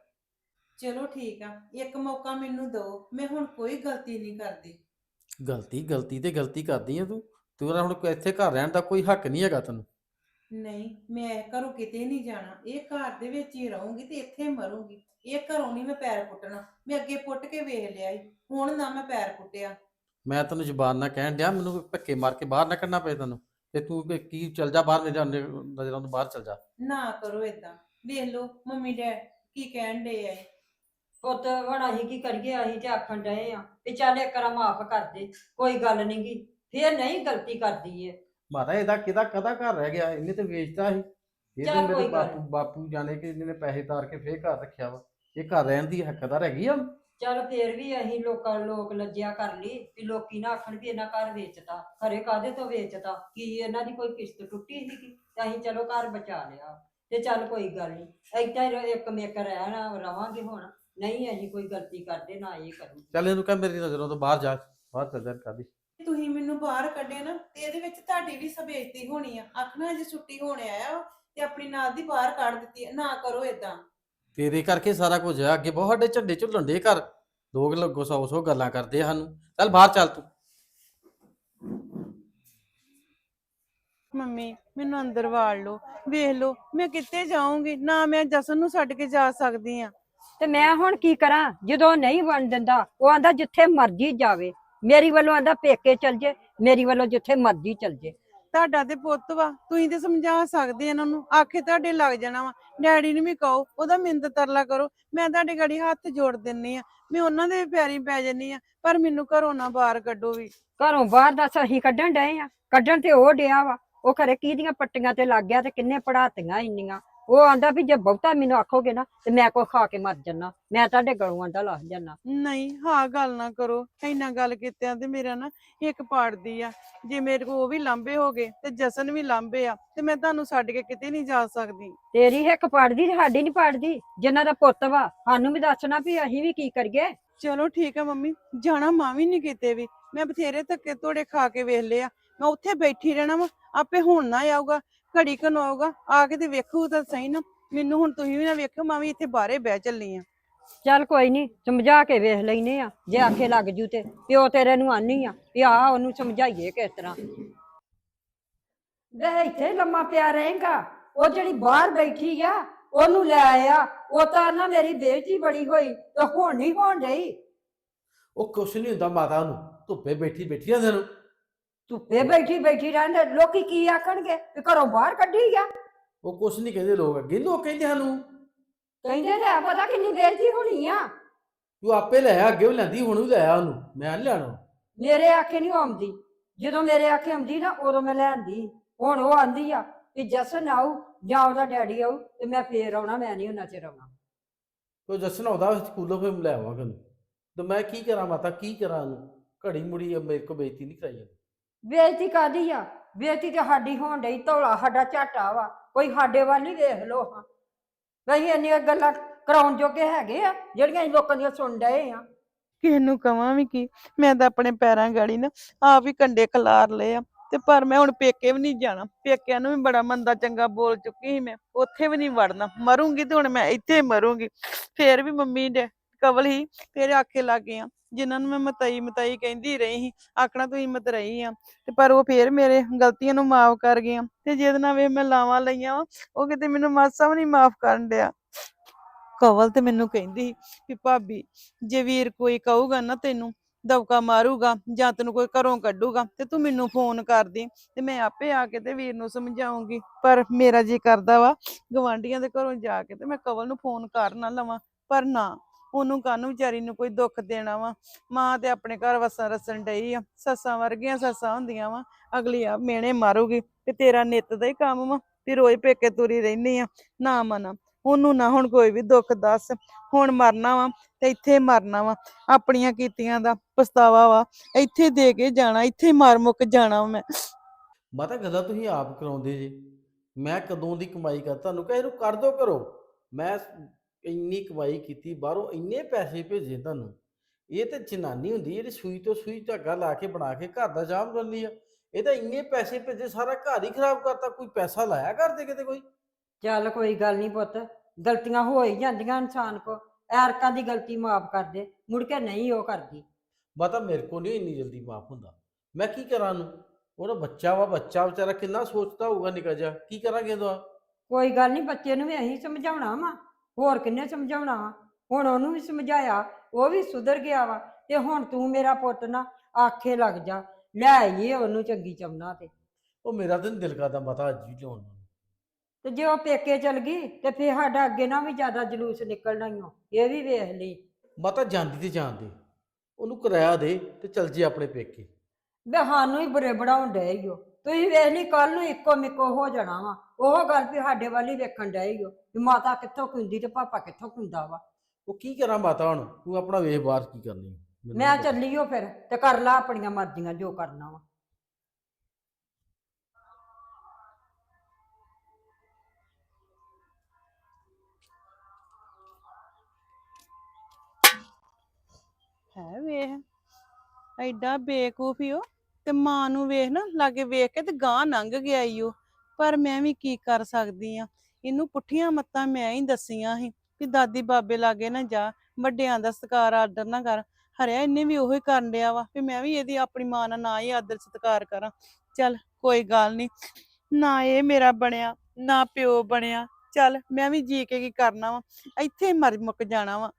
Speaker 2: ਚਲੋ ਠੀਕ ਆ, ਇੱਕ ਮੌਕਾ ਮੈਨੂੰ ਦਿਓ, ਮੈਂ ਹੁਣ ਕੋਈ ਗਲਤੀ ਨਹੀਂ ਕਰਦੀ।
Speaker 3: ਗਲਤੀ ਗਲਤੀ ਤੇ ਗਲਤੀ ਕਰਦੀ ਆ ਤੂੰ, ਤੇਰਾ ਹੁਣ ਕੋਈ ਇੱਥੇ ਘਰ ਰਹਿਣ ਦਾ ਕੋਈ ਹੱਕ ਨਹੀਂ ਹੈਗਾ ਤੈਨੂੰ।
Speaker 2: ਨਹੀਂ, ਮੈਂ ਘਰੋਂ ਕਿਤੇ ਨਹੀਂ ਜਾਣਾ, ਇਹ ਘਰ ਦੇ ਵਿੱਚ ਹੀ ਰਹੂੰਗੀ ਤੇ ਇੱਥੇ ਮਰੂੰਗੀ। ਇਹ ਘਰੋਂ ਨਹੀਂ ਮੈਂ ਪੈਰ ਪੁੱਟਣਾ, ਮੈਂ ਅੱਗੇ ਪੁੱਟ ਕੇ ਵੇਖ ਲਿਆ ਈ, ਹੁਣ ਨਾ ਮੈਂ ਪੈਰ ਪੁੱਟਿਆ।
Speaker 3: ਮੈਂ ਤੈਨੂੰ ਜ਼ੁਬਾਨ ਨਾਲ ਕਹਿਣ ਡਿਆ, ਮੈਨੂੰ ਕੋਈ ਧੱਕੇ ਮਾਰ ਕੇ ਬਾਹਰ ਨਾ ਕੱਢਣਾ ਪਏ ਤੈਨੂੰ, ਤੇ ਤੂੰ ਕਿ- ਕੀ ਚੱਲ ਜਾ ਬਾਹਰ, ਮੇਰੇ ਨਜ਼ਰ- ਨਜ਼ਰਾਂ ਤੋਂ ਬਾਹਰ ਚੱਲ ਜਾ।
Speaker 2: ਨਾ ਕਰੋ ਏਦਾਂ, ਵੇਖ ਲਓ ਮੰਮੀ ਡੈਡ ਕੀ ਕਹਿਣ ਡੇ ਆ ਇਹ।
Speaker 1: ਪੁੱਤ ਹੁਣ ਅਸੀਂ ਕੀ ਕਰੀਏ, ਅਸੀਂ ਤੇ ਆਖਣ ਡਏ ਆ ਵੀ ਚੱਲ ਇੱਕ ਵਾਰ ਮਾਫ ਕਰ ਦੇ, ਕੋਈ ਗੱਲ ਨੀ ਗੀ, ਫੇਰ ਨਹੀਂ ਗਲਤੀ ਕਰਦੀ ਏ।
Speaker 3: ਮਾਤਾ ਇਹਦਾ ਕਿਹਦਾ ਕਦਾ ਘਰ ਰਹਿ ਗਿਆ, ਇਹਨੇ ਤੇ ਵੇਚਤਾ ਸੀ, ਇਹ
Speaker 1: ਚੱਲ
Speaker 3: ਤੇ ਮੇਰੇ
Speaker 1: ਕੋਈ ਗੱਲ
Speaker 3: ਬਾਪੂ ਬਾਪੂ ਜਾਣੇ ਕਿ ਇਹਨੇ ਪੈਸੇ ਤਾਰ ਕੇ ਫੇਰ ਘਰ ਰੱਖਿਆ ਵਾ, ਇਹ ਘਰ ਰਹਿਣ ਦੀ ਹੱਕਦਾਰ ਹੈਗੀ ਆ।
Speaker 1: ਚੱਲ ਫੇਰ ਵੀ ਅਸੀਂ ਲੋਕਾਂ ਲੋਕ ਲੱਜਿਆ ਕਰ ਲਈ ਵੀ ਲੋਕੀ ਨਾ ਆਖਣ ਵੀ ਇਹਨਾਂ ਘਰ ਵੇਚਤਾ, ਖਰੇ ਕਾਹਦੇ ਤੋਂ ਵੇਚਤਾ, ਕੀ ਇਹਨਾਂ ਦੀ ਕੋਈ ਕਿਸ਼ਤ ਟੁੱਟੀ ਸੀਗੀ, ਤੇ ਅਸੀਂ ਚਲੋ ਘਰ ਬਚਾ ਲਿਆ, ਤੇ ਚੱਲ ਕੋਈ ਗੱਲ ਨੀ, ਏਦਾਂ ਹੀ ਇੱਕ ਮੇਕ ਰਹਿਣਾ ਰਵਾਂਗੇ। ਹੁਣ ਨਹੀਂ ਅਸੀਂ ਕੋਈ ਗਲਤੀ ਕਰਦੇ, ਨਾ ਇਹ ਕਰੂ।
Speaker 3: ਚੱਲ ਇਹਨੂੰ ਕਹਿ ਮੇਰੀ ਨਜ਼ਰੋਂ ਤੋਂ ਬਾਹਰ ਜਾ, ਬਾਹਰ ਚੱਲ ਜਾ ਕਰਦੀ।
Speaker 2: ਤੁਸੀਂ ਮੈਨੂੰ ਬਾਹਰ ਕੱਢਿਆ ਨਾ, ਤੇ ਇਹਦੇ ਵਿੱਚ ਤੁਹਾਡੀ ਵੀ ਬੇਇੱਜ਼ਤੀ ਹੋਣੀ ਆ, ਆਖਣਾ ਜੇ ਛੁੱਟੀ ਹੋਣ ਆਇਆ ਵਾ ਤੇ ਆਪਣੀ ਨਾਲ ਦੀ ਬਾਹਰ ਕੱਢ ਦਿੱਤੀ ਆ। ਨਾ ਕਰੋ ਏਦਾਂ।
Speaker 3: ਤੇਰੇ ਕਰਕੇ ਸਾਰਾ ਕੁਝ ਆ, ਅੱਗੇ ਬਹੁਤ ਸਾਡੇ ਝੰਡੇ ਝੁੱਲਣ ਦੇ ਘਰ, ਲੋਕ ਲੱਗੋ ਸੌ ਸੌ ਗੱਲਾਂ ਕਰਦੇ ਆ ਸਾਨੂੰ। ਚੱਲ ਬਾਹਰ ਚੱਲ ਤੂੰ।
Speaker 2: ਮੰਮੀ ਮੈਨੂੰ ਅੰਦਰ ਵਾੜ ਲਓ, ਵੇਖ ਲਓ ਮੈਂ ਕਿੱਥੇ ਜਾਊਂਗੀ, ਨਾ ਮੈਂ ਜਸਨ ਨੂੰ ਛੱਡ ਕੇ ਜਾ ਸਕਦੀ ਆ।
Speaker 1: ਤੇ ਮੈਂ ਹੁਣ ਕੀ ਕਰਾਂ, ਜਦੋਂ ਨਹੀਂ ਬਣ ਦਿੰਦਾ, ਉਹ ਆਂਦਾ ਜਿੱਥੇ ਮਰਜ਼ੀ ਜਾਵੇ, ਮੇਰੀ ਵੱਲੋਂ ਆਂਦਾ ਪੇਕੇ ਚਲ ਜੇ, ਮੇਰੀ ਵੱਲੋਂ ਜਿੱਥੇ ਮਰਜ਼ੀ ਚਲ ਜੇ।
Speaker 2: ਤੁਹਾਡਾ ਤੇ ਪੁੱਤ ਵਾ, ਤੁਸੀਂ ਤੇ ਸਮਝਾ ਸਕਦੇ ਇਹਨਾਂ ਨੂੰ, ਆਖੇ ਤੁਹਾਡੇ ਲੱਗ ਜਾਣਾ ਵਾ। ਡੈਡੀ ਨੂੰ ਵੀ ਕਹੋ, ਉਹਦਾ ਮਿੰਦ ਤਰਲਾ ਕਰੋ, ਮੈਂ ਤੁਹਾਡੇ ਗਾੜੀ ਹੱਥ ਜੋੜ ਦਿੰਨੀ ਆ, ਮੈਂ ਉਹਨਾਂ ਦੇ ਪੈਰੀ ਪੈ ਜੰਨੀ ਆ, ਪਰ ਮੈਨੂੰ ਘਰੋਂ ਨਾ ਬਾਹਰ ਕੱਢੋ ਵੀ।
Speaker 1: ਘਰੋਂ ਬਾਹਰ ਦੱਸ ਅਸੀਂ ਕੱਢਣ ਡਏ ਆ, ਕੱਢਣ ਤੇ ਉਹ ਡਿਆ ਵਾ, ਉਹ ਖਰੇ ਕਿਹਦੀਆਂ ਪੱਟੀਆਂ ਤੇ ਲੱਗ ਗਿਆ, ਤੇ ਕਿੰਨੇ ਪੜਾਤੀਆਂ ਇੰਨੀਆਂ। ਉਹ ਆਂਦਾ ਵੀ ਜੇ ਬਹੁਤਾ ਮੈਨੂੰ ਆਖੋਗੇ ਨਾ ਤੇ ਮੈਂ ਕੋਈ ਖਾ ਕੇ ਮਰ ਜਾਨਾ, ਮੈਂ ਤੁਹਾਡੇ ਗਲੋਂ ਆਂਦਾ ਲੱਗ ਜਾਨਾ।
Speaker 2: ਨਹੀਂ ਹਾਂ ਗੱਲ ਨਾ ਕਰੋ, ਇੰਨਾ ਗੱਲ ਕੀਤਿਆਂ ਤੇ ਮੇਰਾ ਨਾ ਇੱਕ ਪਾੜਦੀ ਆ। ਜੇ ਮੇਰੇ ਕੋ ਉਹ ਵੀ ਲਾਂਬੇ ਹੋ ਗਏ ਤੇ ਜਸਨ ਵੀ ਲਾਂਬੇ ਆ, ਤੇ ਮੈਂ ਤੁਹਾਨੂੰ ਛੱਡ ਕੇ ਕਿਤੇ ਨਹੀਂ ਜਾ ਸਕਦੀ।
Speaker 1: ਤੇਰੀ ਹਿੱਕ ਪੜਦੀ ਤੇ ਸਾਡੀ ਨਹੀਂ ਪੜਦੀ, ਜਿਨ੍ਹਾਂ ਦਾ ਪੁੱਤ ਵਾ ਸਾਨੂੰ ਵੀ ਦੱਸਣਾ ਵੀ ਅਸੀਂ ਵੀ ਕੀ ਕਰੀਏ।
Speaker 2: ਚਲੋ ਠੀਕ ਆ ਮੰਮੀ, ਜਾਣਾ ਮਾਂ ਵੀ ਨਹੀਂ ਕਿਤੇ ਵੀ, ਮੈਂ ਬਥੇਰੇ ਧੱਕੇ ਤੋੜੇ ਖਾ ਕੇ ਵੇਖ ਲਿਆ, ਮੈਂ ਉੱਥੇ ਬੈਠੀ ਰਹਿਣਾ ਵਾ, ਆਪੇ ਹੁਣ ਨਾ ਆਊਗਾ, ਘੜੀ ਕੁ ਨੂੰ ਆਊਗਾ, ਆ ਕੇ ਤੇ ਵੇਖੂ ਤਾਂ ਸਹੀ ਨਾ। ਮੈਨੂੰ ਹੁਣ ਤੁਸੀਂ ਵੀ ਨਾ ਵੇਖਿਓ, ਮੈਂ ਵੀ ਇੱਥੇ ਬਾਹਰੇ ਬਹਿ ਚੱਲੀ ਆ।
Speaker 1: ਚੱਲ ਕੋਈ ਨਹੀਂ, ਸਮਝਾ ਕੇ ਵੇਖ ਲੈਨੇ ਆ, ਜੇ ਆਖੇ ਲੱਗ ਜੂ ਤੇ ਪਿਓ ਤੇਰੇ ਨੂੰ ਆਨੀ ਆ ਵੀ ਆ ਉਹਨੂੰ ਸਮਝਾਈਏ ਕਿਸ ਤਰ੍ਹਾਂ। ਵੇ ਇੱਥੇ ਲੰਮਾ ਪਿਆ ਰਹੇਗਾ, ਉਹ ਜਿਹੜੀ ਬਾਹਰ ਬੈਠੀ ਆ ਉਹਨੂੰ ਲੈ ਆਇਆ, ਉਹ ਤਾਂ ਨਾ ਮੇਰੀ ਬੇਇੱਜ਼ਤੀ ਬੜੀ ਹੋਈ, ਤੇ ਹੁਣ ਨਹੀਂ ਹੋਣ ਡਈ।
Speaker 3: ਉਹ ਕੁਛ ਨਹੀਂ ਹੁੰਦਾ ਮਾਤਾ ਨੂੰ, ਧੁੱਪੇ ਬੈਠੀ ਬੈਠੀ ਆ ਤੈਨੂੰ।
Speaker 1: ਧੁੱਪੇ ਬੈਠੀ ਬੈਠੀ ਰਹਿੰਦੇ, ਲੋਕੀ ਕੀ ਆਖਣਗੇ ਵੀ ਘਰੋਂ ਬਾਹਰ ਕੱਢੀ ਆ।
Speaker 3: ਉਹ ਕੁਛ ਨਹੀਂ ਕਹਿੰਦੇ ਲੋਕ, ਅੱਗੇ ਲੋਕ ਕਹਿੰਦੇ ਸਾਨੂੰ।
Speaker 1: ਕਹਿੰਦੇ ਤੇ ਆ ਪਤਾ ਕਿੰਨੀ ਬੇਇੱਜ਼ਤੀ ਹੋਣੀ ਆ।
Speaker 3: ਤੂੰ ਆਪੇ ਲੈ ਆ, ਅੱਗੇ ਵੀ ਲੈਂਦੀ, ਹੁਣ ਵੀ ਲੈ ਆ ਉਹਨੂੰ, ਮੈਂ ਨਹੀਂ ਲੈਣਾ।
Speaker 1: ਮੇਰੇ ਆਖੇ ਨਹੀਂ ਆਉਂਦੀ, ਜਦੋਂ ਮੇਰੇ ਆਖੇ ਆਉਂਦੀ ਨਾ ਉਦੋਂ ਮੈਂ ਲੈਂਦੀ। ਹੁਣ ਉਹ ਆਂਦੀ ਆ ਕਿ ਜਸਨ ਆਊ ਜਾਂ ਉਹਦਾ ਡੈਡੀ ਆਊ ਤੇ ਮੈਂ ਫੇਰ ਆਉਣਾ, ਮੈਂ ਨਹੀਂ ਉਹਨਾਂ ਚਿਰ ਆਉਣਾ।
Speaker 3: ਤੋ ਜਸਨ ਆਉਂਦਾ ਸਕੂਲੋਂ, ਫਿਰ ਲੈ ਆਵਾਂਗਾ ਉਹਨੂੰ। ਤੇ ਮੈਂ ਕੀ ਕਰਾਂ ਮਾਤਾ, ਕੀ ਕਰਾਂ ਉਹਨੂੰ, ਘੜੀ ਮੁੜੀ ਮੇਰੇ ਕੋ ਬੇਇੱਜ਼ਤੀ ਨਹੀਂ ਕਰਾਈ ਜਾਂਦੀ।
Speaker 1: ਬੇਇੱਜ਼ਤੀ ਕਾਦੀ ਆ, ਬੇਇੱਜ਼ਤੀ ਤੇ ਸਾਡੀ ਹੋਣ ਡਈ, ਧੌਲਾ ਸਾਡਾ ਝਾਟਾ ਵਾ, ਕੋਈ ਸਾਡੇ ਵੱਲ ਹੀ ਵੇਖ ਲੋ। ਹਾਂ ਅਸੀਂ ਇੰਨੀਆਂ ਗੱਲਾਂ ਕਰਾਉਣ ਜੋਗੇ ਹੈਗੇ ਆ ਜਿਹੜੀਆਂ ਅਸੀਂ ਲੋਕਾਂ ਦੀਆਂ ਸੁਣ ਡਏ ਆ।
Speaker 2: ਕਿਸੇ ਨੂੰ ਕਵਾਂ ਵੀ ਕੀ, ਮੈਂ ਤਾਂ ਆਪਣੇ ਪੈਰਾਂ ਗਾੜੀ ਨਾ ਆਪ ਹੀ ਕੰਡੇ ਖਲਾਰ ਲਏ ਆ, ਤੇ ਪਰ ਮੈਂ ਹੁਣ ਪੇਕੇ ਵੀ ਨਹੀਂ ਜਾਣਾ। ਪੇਕਿਆਂ ਨੂੰ ਵੀ ਬੜਾ ਮੰਦਾ ਚੰਗਾ ਬੋਲ ਚੁੱਕੀ ਸੀ ਮੈਂ, ਉੱਥੇ ਵੀ ਨਹੀਂ ਵੜਨਾ, ਮਰੂੰਗੀ ਤੇ ਹੁਣ ਮੈਂ ਇੱਥੇ ਮਰੂੰਗੀ। ਫੇਰ ਵੀ ਮੰਮੀ ਦੇ ਕਵਲ ਹੀ ਤੇਰੇ ਆਖੇ ਲੱਗ ਗਏ ਆ, ਜਿਨ੍ਹਾਂ ਨੂੰ ਮੈਂ ਮਤਈ ਮਤਈ ਕਹਿੰਦੀ ਰਹੀ ਸੀ, ਆਖਣਾ ਤੁਸੀਂ ਮਤਰਈ ਆ, ਤੇ ਪਰ ਉਹ ਫੇਰ ਮੇਰੇ ਗਲਤੀਆਂ ਨੂੰ ਮਾਫ ਕਰ ਗਏ ਆ। ਤੇ ਜਿਹਦੇ ਨਾਲ ਵੇ ਮੈਂ ਲਾਵਾਂ ਲਈਆਂ ਵਾ, ਉਹ ਕਿਤੇ ਮੈਨੂੰ ਮਾਸਾ ਵੀ ਨਹੀਂ ਮਾਫ ਕਰਨ ਡਿਆ। ਕਵਲ ਤੇ ਮੈਨੂੰ ਕਹਿੰਦੀ ਸੀ ਵੀ ਭਾਬੀ ਜੇ ਵੀਰ ਕੋਈ ਕਹੂਗਾ ਨਾ ਤੈਨੂੰ ਦਬਕਾ ਮਾਰੂਗਾ ਜਾਂ ਤੈਨੂੰ ਕੋਈ ਘਰੋਂ ਕੱਢੂਗਾ ਤੇ ਤੂੰ ਮੈਨੂੰ ਫੋਨ ਕਰਦੀ ਤੇ ਮੈਂ ਆਪੇ ਆ ਕੇ ਤੇ ਵੀਰ ਨੂੰ ਸਮਝਾਉਂਗੀ। ਪਰ ਮੇਰਾ ਜੀ ਕਰਦਾ ਵਾ ਗਵਾਂਢੀਆਂ ਦੇ ਘਰੋਂ ਜਾ ਕੇ ਤੇ ਮੈਂ ਕਵਲ ਨੂੰ ਫੋਨ ਕਰ ਨਾ ਲਵਾਂ, ਪਰ ਨਾ, ਉਹਨੂੰ ਕਾਹਨੂੰ ਵਿਚਾਰੀ ਨੂੰ ਕੋਈ ਦੁੱਖ ਦੇਣਾ ਵਾ। ਮਾਂ ਤੇ ਆਪਣੇ ਘਰ ਵਸਣ ਰਸਣ ਡਈ ਆ, ਸੱਸਾਂ ਵਰਗੀਆਂ ਸੱਸਾਂ ਹੁੰਦੀਆਂ ਵਾ, ਅਗਲੀ ਆ ਮਿਹਣੇ ਮਾਰੂਗੀ ਤੇ ਤੇਰਾ ਨਿੱਤ ਦਾ ਹੀ ਕੰਮ ਵਾ ਵੀ ਰੋਜ਼ ਪੇਕੇ ਤੁਰੀ ਰਹਿਨੀ ਆ। ਨਾ ਮਨਾ, ਉਹਨੂੰ ਨਾ ਹੁਣ ਕੋਈ ਵੀ ਦੁੱਖ ਦੱਸ, ਹੁਣ ਮਰਨਾ ਵਾ ਤੇ ਇੱਥੇ ਮਰਨਾ ਵਾ, ਆਪਣੀਆਂ ਕੀਤੀਆਂ ਦਾ ਪਛਤਾਵਾ ਵਾ ਇੱਥੇ ਦੇ ਕੇ ਜਾਣਾ, ਇੱਥੇ ਮਰ ਮੁੱਕ ਜਾਣਾ ਵਾ ਮੈਂ।
Speaker 3: ਮਾਤਾ ਗੱਲਾਂ ਤੁਸੀਂ ਆਪ ਕਰਾਉਂਦੇ ਜੀ, ਮੈਂ ਕਦੋਂ ਦੀ ਕਮਾਈ ਕਰ ਤੁਹਾਨੂੰ ਕਹੇ ਇਹਨੂੰ ਕਰ ਦੋ ਕਰੋ। ਮੈਂ ਇੰਨੀ ਕਮਾਈ ਕੀਤੀ ਬਾਹਰੋਂ, ਇੰਨੇ ਪੈਸੇ ਭੇਜੇ ਤੁਹਾਨੂੰ। ਇਹ ਤੇ ਜਨਾਨੀ ਹੁੰਦੀ ਜਿਹੜੀ ਸੂਈ ਤੋਂ ਸੂਈ ਧਾਗਾ ਲਾ ਕੇ ਬਣਾ ਕੇ ਘਰ ਦਾ ਜਾਮ ਕਰਨੀ ਆ। ਇਹ ਤਾਂ ਇੰਨੇ ਪੈਸੇ ਭੇਜੇ, ਸਾਰਾ ਘਰ ਹੀ ਖਰਾਬ ਕਰਤਾ। ਕੋਈ ਪੈਸਾ ਲਾਇਆ ਕਰਦੇ ਕਿਤੇ ਕੋਈ?
Speaker 1: ਚੱਲ ਕੋਈ ਗੱਲ ਨਹੀਂ ਪੁੱਤ, ਗਲਤੀਆਂ ਹੋ ਹੀ ਜਾਂਦੀਆਂ ਇਨਸਾਨ ਕੋ, ਐਰਕਾਂ ਦੀ ਗਲਤੀ ਮਾਫ ਕਰ ਦੇ, ਮੁੜ ਕੇ ਨਹੀਂ ਉਹ ਕਰਦੀ।
Speaker 3: ਮਾਤਾ ਮੇਰੇ ਕੋਲ ਨਹੀਂ ਇੰਨੀ ਜਲਦੀ ਮਾਫ ਹੁੰਦਾ। ਮੈਂ ਕੀ ਕਰਾਂ ਨੂੰ, ਉਹਦਾ ਬੱਚਾ ਵਾ, ਬੱਚਾ ਵਿਚਾਰਾ ਕਿੰਨਾ ਸੋਚਦਾ ਹੋਊਗਾ ਨਿੱਕਾ ਜਿਹਾ, ਕੀ ਕਰਾਂਗੇ ਉਹਦਾ?
Speaker 1: ਕੋਈ ਗੱਲ ਨਹੀਂ, ਬੱਚੇ ਨੂੰ ਵੀ ਅਸੀਂ ਸਮਝਾਉਣਾ ਵਾ, ਹੋਰ ਕਿੰਨੇ ਸਮਝਾਉਣਾ ਵਾ। ਹੁਣ ਉਹਨੂੰ ਵੀ ਸਮਝਾਇਆ, ਉਹ ਵੀ ਸੁਧਰ ਗਿਆ ਵਾ, ਤੇ ਹੁਣ ਤੂੰ ਮੇਰਾ ਪੁੱਤ ਨਾ ਆਖੇ ਲੱਗ ਜਾ, ਲੈ ਆਈਏ ਉਹਨੂੰ ਚੰਗੀ ਚਮਨਾ ਤੇ।
Speaker 3: ਉਹ ਮੇਰਾ ਤਾਂ ਨਹੀਂ ਦਿਲ ਕਰਦਾ ਮਾਤਾ ਅੱਜ ਵੀ ਲਿਆਉਣ ਨੂੰ।
Speaker 1: ਤੇ ਜੇ ਉਹ ਪੇਕੇ ਚਲ ਗਈ ਤੇ ਫਿਰ ਸਾਡਾ ਅੱਗੇ ਨਾ ਵੀ ਜ਼ਿਆਦਾ ਜਲੂਸ ਨਿਕਲਣਾ ਹੀ ਓ, ਇਹ ਵੀ ਵੇਖ ਲਈ।
Speaker 3: ਮਾਤਾ ਜਾਂਦੀ ਤੇ ਜਾਣ ਦੇ, ਉਹਨੂੰ ਕਿਰਾਇਆ ਦੇ ਤੇ ਚਲ ਜੇ ਆਪਣੇ ਪੇਕੇ।
Speaker 1: ਵੇ ਸਾਨੂੰ ਹੀ ਬੁਰੇ ਬਣਾਉਣ ਡਏ ਈ ਓ। ਤੁਸੀਂ ਵੇਖ ਲਈ ਕੱਲ ਨੂੰ ਇੱਕੋ ਮਿੱਕੋ ਹੋ ਜਾਣਾ ਵਾ, ਉਹ ਗੱਲ ਵੀ ਸਾਡੇ ਵੱਲ ਹੀ ਵੇਖਣ ਡਏ ਈ ਓ ਵੀ ਮਾਤਾ ਕਿੱਥੋਂ ਕੁੰਦੀ ਤੇ ਪਾਪਾ ਕਿੱਥੋਂ ਕੁੰਦਾ ਵਾ।
Speaker 3: ਉਹ ਕੀ ਕਰਾਂ ਮਾਤਾ, ਹੁਣ ਤੂੰ ਆਪਣਾ ਵੇਖ ਬਾਹਰ ਕੀ ਕਰਨੀ। ਮੈਨੂੰ
Speaker 1: ਮੈਂ
Speaker 3: ਨੀ ਪਤਾ।
Speaker 1: ਚੱਲੀ ਓ ਫਿਰ, ਤੇ ਕਰ ਲਾ ਆਪਣੀਆਂ ਮਰਜ਼ੀਆਂ ਜੋ ਕਰਨਾ ਵਾ।
Speaker 2: ਹੈ ਵੇਖ ਐਡਾ ਬੇਕੂਫ ਈ ਉਹ, ਤੇ ਮਾਂ ਨੂੰ ਵੇਖ ਨਾ ਲਾਗੇ ਵੇਖ ਕੇ ਤੇ ਗਾਂ ਲੰਘ ਗਿਆ ਈ ਉਹ। ਪਰ ਮੈਂ ਵੀ ਕੀ ਕਰ ਸਕਦੀ ਆ, ਇਹਨੂੰ ਪੁੱਠੀਆਂ ਮੱਤਾਂ ਮੈਂ ਹੀ ਦਸੀਆਂ ਸੀ ਵੀ ਦਾਦੀ ਬਾਬੇ ਲਾਗੇ ਨਾ ਜਾ, ਵੱਡਿਆਂ ਦਾ ਸਤਿਕਾਰ ਆਦਰ ਨਾ ਕਰ। ਹਰਿਆ ਇਹਨੇ ਵੀ ਉਹੀ ਕਰਨ ਡਿਆ ਵਾ ਵੀ ਮੈਂ ਵੀ ਇਹਦੀ ਆਪਣੀ ਮਾਂ ਨਾਲ ਨਾ ਹੀ ਆਦਰ ਸਤਿਕਾਰ ਕਰਾਂ। ਚੱਲ ਕੋਈ ਗੱਲ ਨਹੀਂ, ਨਾ ਇਹ ਮੇਰਾ ਬਣਿਆ ਨਾ ਪਿਓ ਬਣਿਆ, ਚੱਲ ਮੈਂ ਵੀ ਜੀ ਕੇ ਕੀ ਕਰਨਾ ਵਾ, ਇੱਥੇ ਹੀ ਮਰ ਮੁੱਕ ਜਾਣਾ ਵਾ।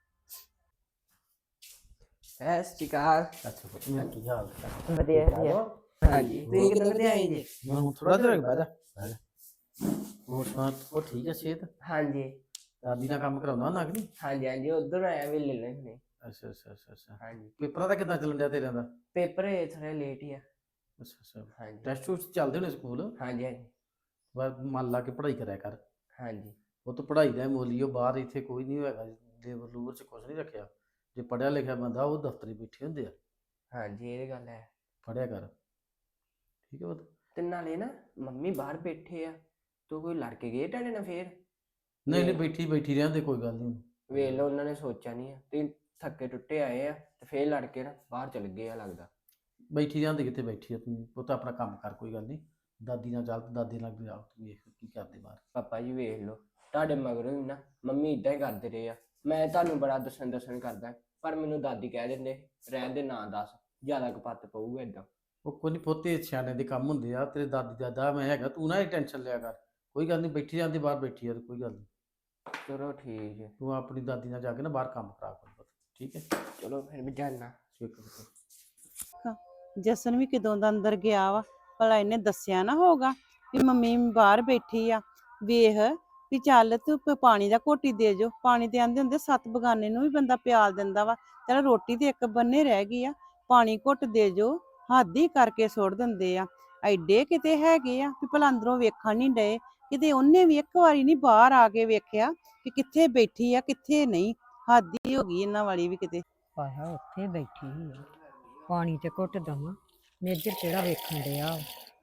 Speaker 5: ਸਤਿ ਸ਼੍ਰੀ ਅਕਾਲ।
Speaker 3: ਅੱਛਾ ਪੁੱਤ, ਮੇਰਾ ਕੀ ਹਾਲ ਹੈ?
Speaker 5: ਵਧੀਆ ਵਧੀਆ। ਹਾਂਜੀ, ਤੁਸੀਂ ਕਿੱਦਾਂ ਵਧੀਆ ਆਏ ਜੀ?
Speaker 3: ਮੈਂ ਹੁਣ ਥੋੜਾ ਜਿਹਾ ਬਹਿ ਜਾ ਬਹਿ ਜਾ। ਹੋਰ ਸੁਣਾ, ਉਹ ਠੀਕ ਹੈ ਸਿਹਤ?
Speaker 5: ਹਾਂਜੀ
Speaker 3: ਦਾਦੀ ਨਾਲ ਕੰਮ ਕਰਾਉਂਦਾ ਨਾ ਕਿ ਨਹੀਂ?
Speaker 5: ਹਾਂਜੀ ਹਾਂਜੀ, ਉਧਰ ਆਇਆ ਵੀ ਲੈ ਲੈਣੇ।
Speaker 3: ਅੱਛਾ ਅੱਛਾ ਅੱਛਾ ਅੱਛਾ।
Speaker 5: ਹਾਂਜੀ,
Speaker 3: ਪੇਪਰਾਂ ਦਾ ਕਿੱਦਾਂ ਚੱਲਣ ਡਿਆ ਤੇਰਿਆਂ ਦਾ?
Speaker 5: ਪੇਪਰ ਥੋੜਾ ਲੇਟ ਹੀ ਆ।
Speaker 3: ਅੱਛਾ ਅੱਛਾ।
Speaker 5: ਹਾਂਜੀ
Speaker 3: ਟੈਸਟ ਟੂਸਟ ਚੱਲਦੇ ਹੋਣੇ ਸਕੂਲ?
Speaker 5: ਹਾਂਜੀ ਹਾਂਜੀ
Speaker 3: ਬਸ ਮਨ ਲਾ ਕੇ ਪੜ੍ਹਾਈ ਕਰਿਆ ਕਰ।
Speaker 5: ਹਾਂਜੀ
Speaker 3: ਉਹ ਤਾਂ ਪੜ੍ਹਾਈ ਦਾ ਮੋਲੀਓ ਬਾਹਰ ਇੱਥੇ ਕੋਈ ਨਹੀਂ ਹੋਏਗਾ, ਲੇਬਰ ਲੂਬਰ ਚ ਕੁਛ ਨਹੀਂ ਰੱਖਿਆ। ਜੇ ਪੜ੍ਹਿਆ ਲਿਖਿਆ ਬੰਦਾ ਉਹ ਦਫ਼ਤਰੀ ਬੈਠੇ ਹੁੰਦੇ ਆ।
Speaker 5: ਹਾਂਜੀ, ਇਹ ਗੱਲ ਹੈ।
Speaker 3: ਪੜ੍ਹਿਆ ਕਰ, ਠੀਕ ਹੈ ਪੁੱਤ?
Speaker 5: ਤੇ ਨਾਲੇ ਨਾ ਮੰਮੀ ਬਾਹਰ ਬੈਠੇ ਆ, ਤੂੰ ਕੋਈ ਲੜ ਕੇ ਗਏ ਤੁਹਾਡੇ ਨਾਲ ਫੇਰ?
Speaker 3: ਨਹੀਂ ਨਹੀਂ, ਬੈਠੀ ਬੈਠੀ ਰਹਿੰਦੇ, ਕੋਈ ਗੱਲ ਨਹੀਂ।
Speaker 5: ਵੇਖ ਲਓ ਉਹਨਾਂ ਨੇ ਸੋਚਿਆ ਨਹੀਂ ਆ, ਤੁਸੀਂ ਥੱਕੇ ਟੁੱਟੇ ਆਏ ਆ ਤੇ ਫੇਰ ਲੜ ਕੇ ਨਾ ਬਾਹਰ ਚਲ ਗਏ ਆ ਲੱਗਦਾ।
Speaker 3: ਬੈਠੀ ਰਹਿੰਦੇ ਕਿੱਥੇ ਬੈਠੀ ਆ ਤੂੰ ਪੁੱਤ, ਆਪਣਾ ਕੰਮ ਕਰ, ਕੋਈ ਗੱਲ ਨਹੀਂ। ਦਾਦੀ ਨਾਲ ਚੱਲ, ਦਾਦੀ ਨਾਲ ਜਾ, ਤੂੰ ਵੇਖ ਕੀ ਕਰਦੇ ਬਾਹਰ।
Speaker 5: ਪਾਪਾ ਜੀ ਵੇਖ ਲਓ, ਤੁਹਾਡੇ ਮਗਰੋਂ ਹੀ ਨਾ ਮੰਮੀ ਇਦਾਂ ਹੀ ਕਰਦੇ ਰਹੇ ਆ। ਮੈਂ ਤੁਹਾਨੂੰ ਬੜਾ ਦੱਸਣ ਦੱਸਣ ਕਰਦਾ, ਪਰ ਮੈਨੂੰ ਦਾਦੀ ਕਹਿ ਦਿੰਦੇ ਰਹਿਣ ਦੇ, ਨਾ ਦੱਸ, ਜ਼ਿਆਦਾ ਕਪੱਤ ਪਊਗਾ ਏਦਾਂ।
Speaker 3: ਉਹ ਕੋਈ ਨਹੀਂ ਪੁੱਤੇ, ਸਿਆਣੇ ਦੇ ਕੰਮ ਹੁੰਦੇ ਆ। ਤੇਰੇ ਦਾਦੀ ਦਾਦਾ ਮੈਂ ਹੈਗਾ, ਤੂੰ ਨਾ ਇਹ ਟੈਨਸ਼ਨ ਲਿਆ ਕਰ। ਕੋਈ ਗੱਲ ਨਹੀਂ, ਬੈਠੀ ਜਾਂਦੀ ਬਾਹਰ, ਬੈਠੀ ਆ, ਕੋਈ ਗੱਲ ਨਹੀਂ।
Speaker 5: ਚਲੋ ਠੀਕ ਹੈ।
Speaker 3: ਤੂੰ ਆਪਣੀ ਦਾਦੀ ਨਾਲ ਜਾ ਕੇ ਨਾ ਬਾਹਰ ਕੰਮ ਕਰਾ ਕਰ ਪੁੱਤ, ਠੀਕ ਹੈ?
Speaker 5: ਚਲੋ ਫਿਰ ਮੈਂ ਜਾਣਾ।
Speaker 3: ਠੀਕ ਹੈ।
Speaker 2: ਜਸਨ ਵੀ ਕਿਦੋਂ ਦਾ ਅੰਦਰ ਗਿਆ ਵਾ, ਭਲਾ ਇਹਨੇ ਦੱਸਿਆ ਨਾ ਹੋਗਾ ਵੀ ਮੰਮੀ ਬਾਹਰ ਬੈਠੀ ਆ। ਵੇਖ ਵੀ ਚੱਲ ਤੂੰ ਪ- ਪਾਣੀ ਦਾ ਘੋਟੀ ਦੇ ਜੋ, ਪਾਣੀ ਤੇ ਆਂਦੇ ਹੁੰਦੇ ਸੱਤ ਬਗਾਨੇ ਨੂੰ ਵੀ ਬੰਦਾ ਪਿਆਲ ਦਿੰਦਾ ਵਾ। ਚੱਲ ਰੋਟੀ ਤੇ ਇੱਕ ਬੰਨੇ ਰਹਿ ਗਈ ਆ, ਪਾਣੀ ਘੁੱਟ ਦੇ ਜੋ, ਹੱਦ ਹੀ ਕਰਕੇ ਸੁੱਟ ਦਿੰਦੇ ਆ। ਐਡੇ ਕਿਤੇ ਹੈਗੇ ਆ ਵੀ ਭਲਾ ਅੰਦਰੋਂ ਵੇਖਣ ਨਹੀਂ ਡਏ, ਕਿਤੇ ਉਹਨੇ ਵੀ ਇੱਕ ਵਾਰੀ ਨਹੀਂ ਬਾਹਰ ਆ ਕੇ ਵੇਖਿਆ ਕਿ ਕਿੱਥੇ ਬੈਠੀ ਆ ਕਿੱਥੇ ਨਹੀਂ। ਹੱਦ ਹੀ ਹੋ ਗਈ ਇਹਨਾਂ ਵਾਲੀ ਵੀ ਕਿਤੇ।
Speaker 1: ਆਇਆ ਉੱਥੇ ਬੈਠੀ ਹੀ ਆ, ਪਾਣੀ ਤੇ ਘੁੱਟ ਦਵਾਂ, ਮੇਜਰ ਕਿਹੜਾ ਵੇਖਣ ਡਿਆ।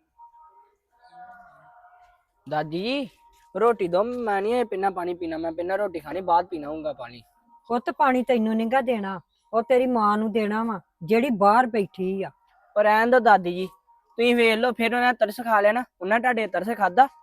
Speaker 5: दादी जी रोटी दो, मैं नहीं पीना पानी पीना, मैं पीना रोटी खानी, बाद पीनाऊंगा पानी।
Speaker 1: ਪੁੱਤ ਪਾਣੀ ਤੈਨੂੰ ਨਹੀਂਗਾ ਦੇਣਾ, ਉਹ ਤੇਰੀ ਮਾਂ ਨੂੰ ਦੇਣਾ ਵਾ ਜਿਹੜੀ ਬਾਹਰ ਬੈਠੀ ਆ।
Speaker 5: पर रहन दो दादी जी, तुम वेख लो, फिर उन्हें तरस खा लिया ना, उन्हें ਤੁਹਾਡੇ तरस खादा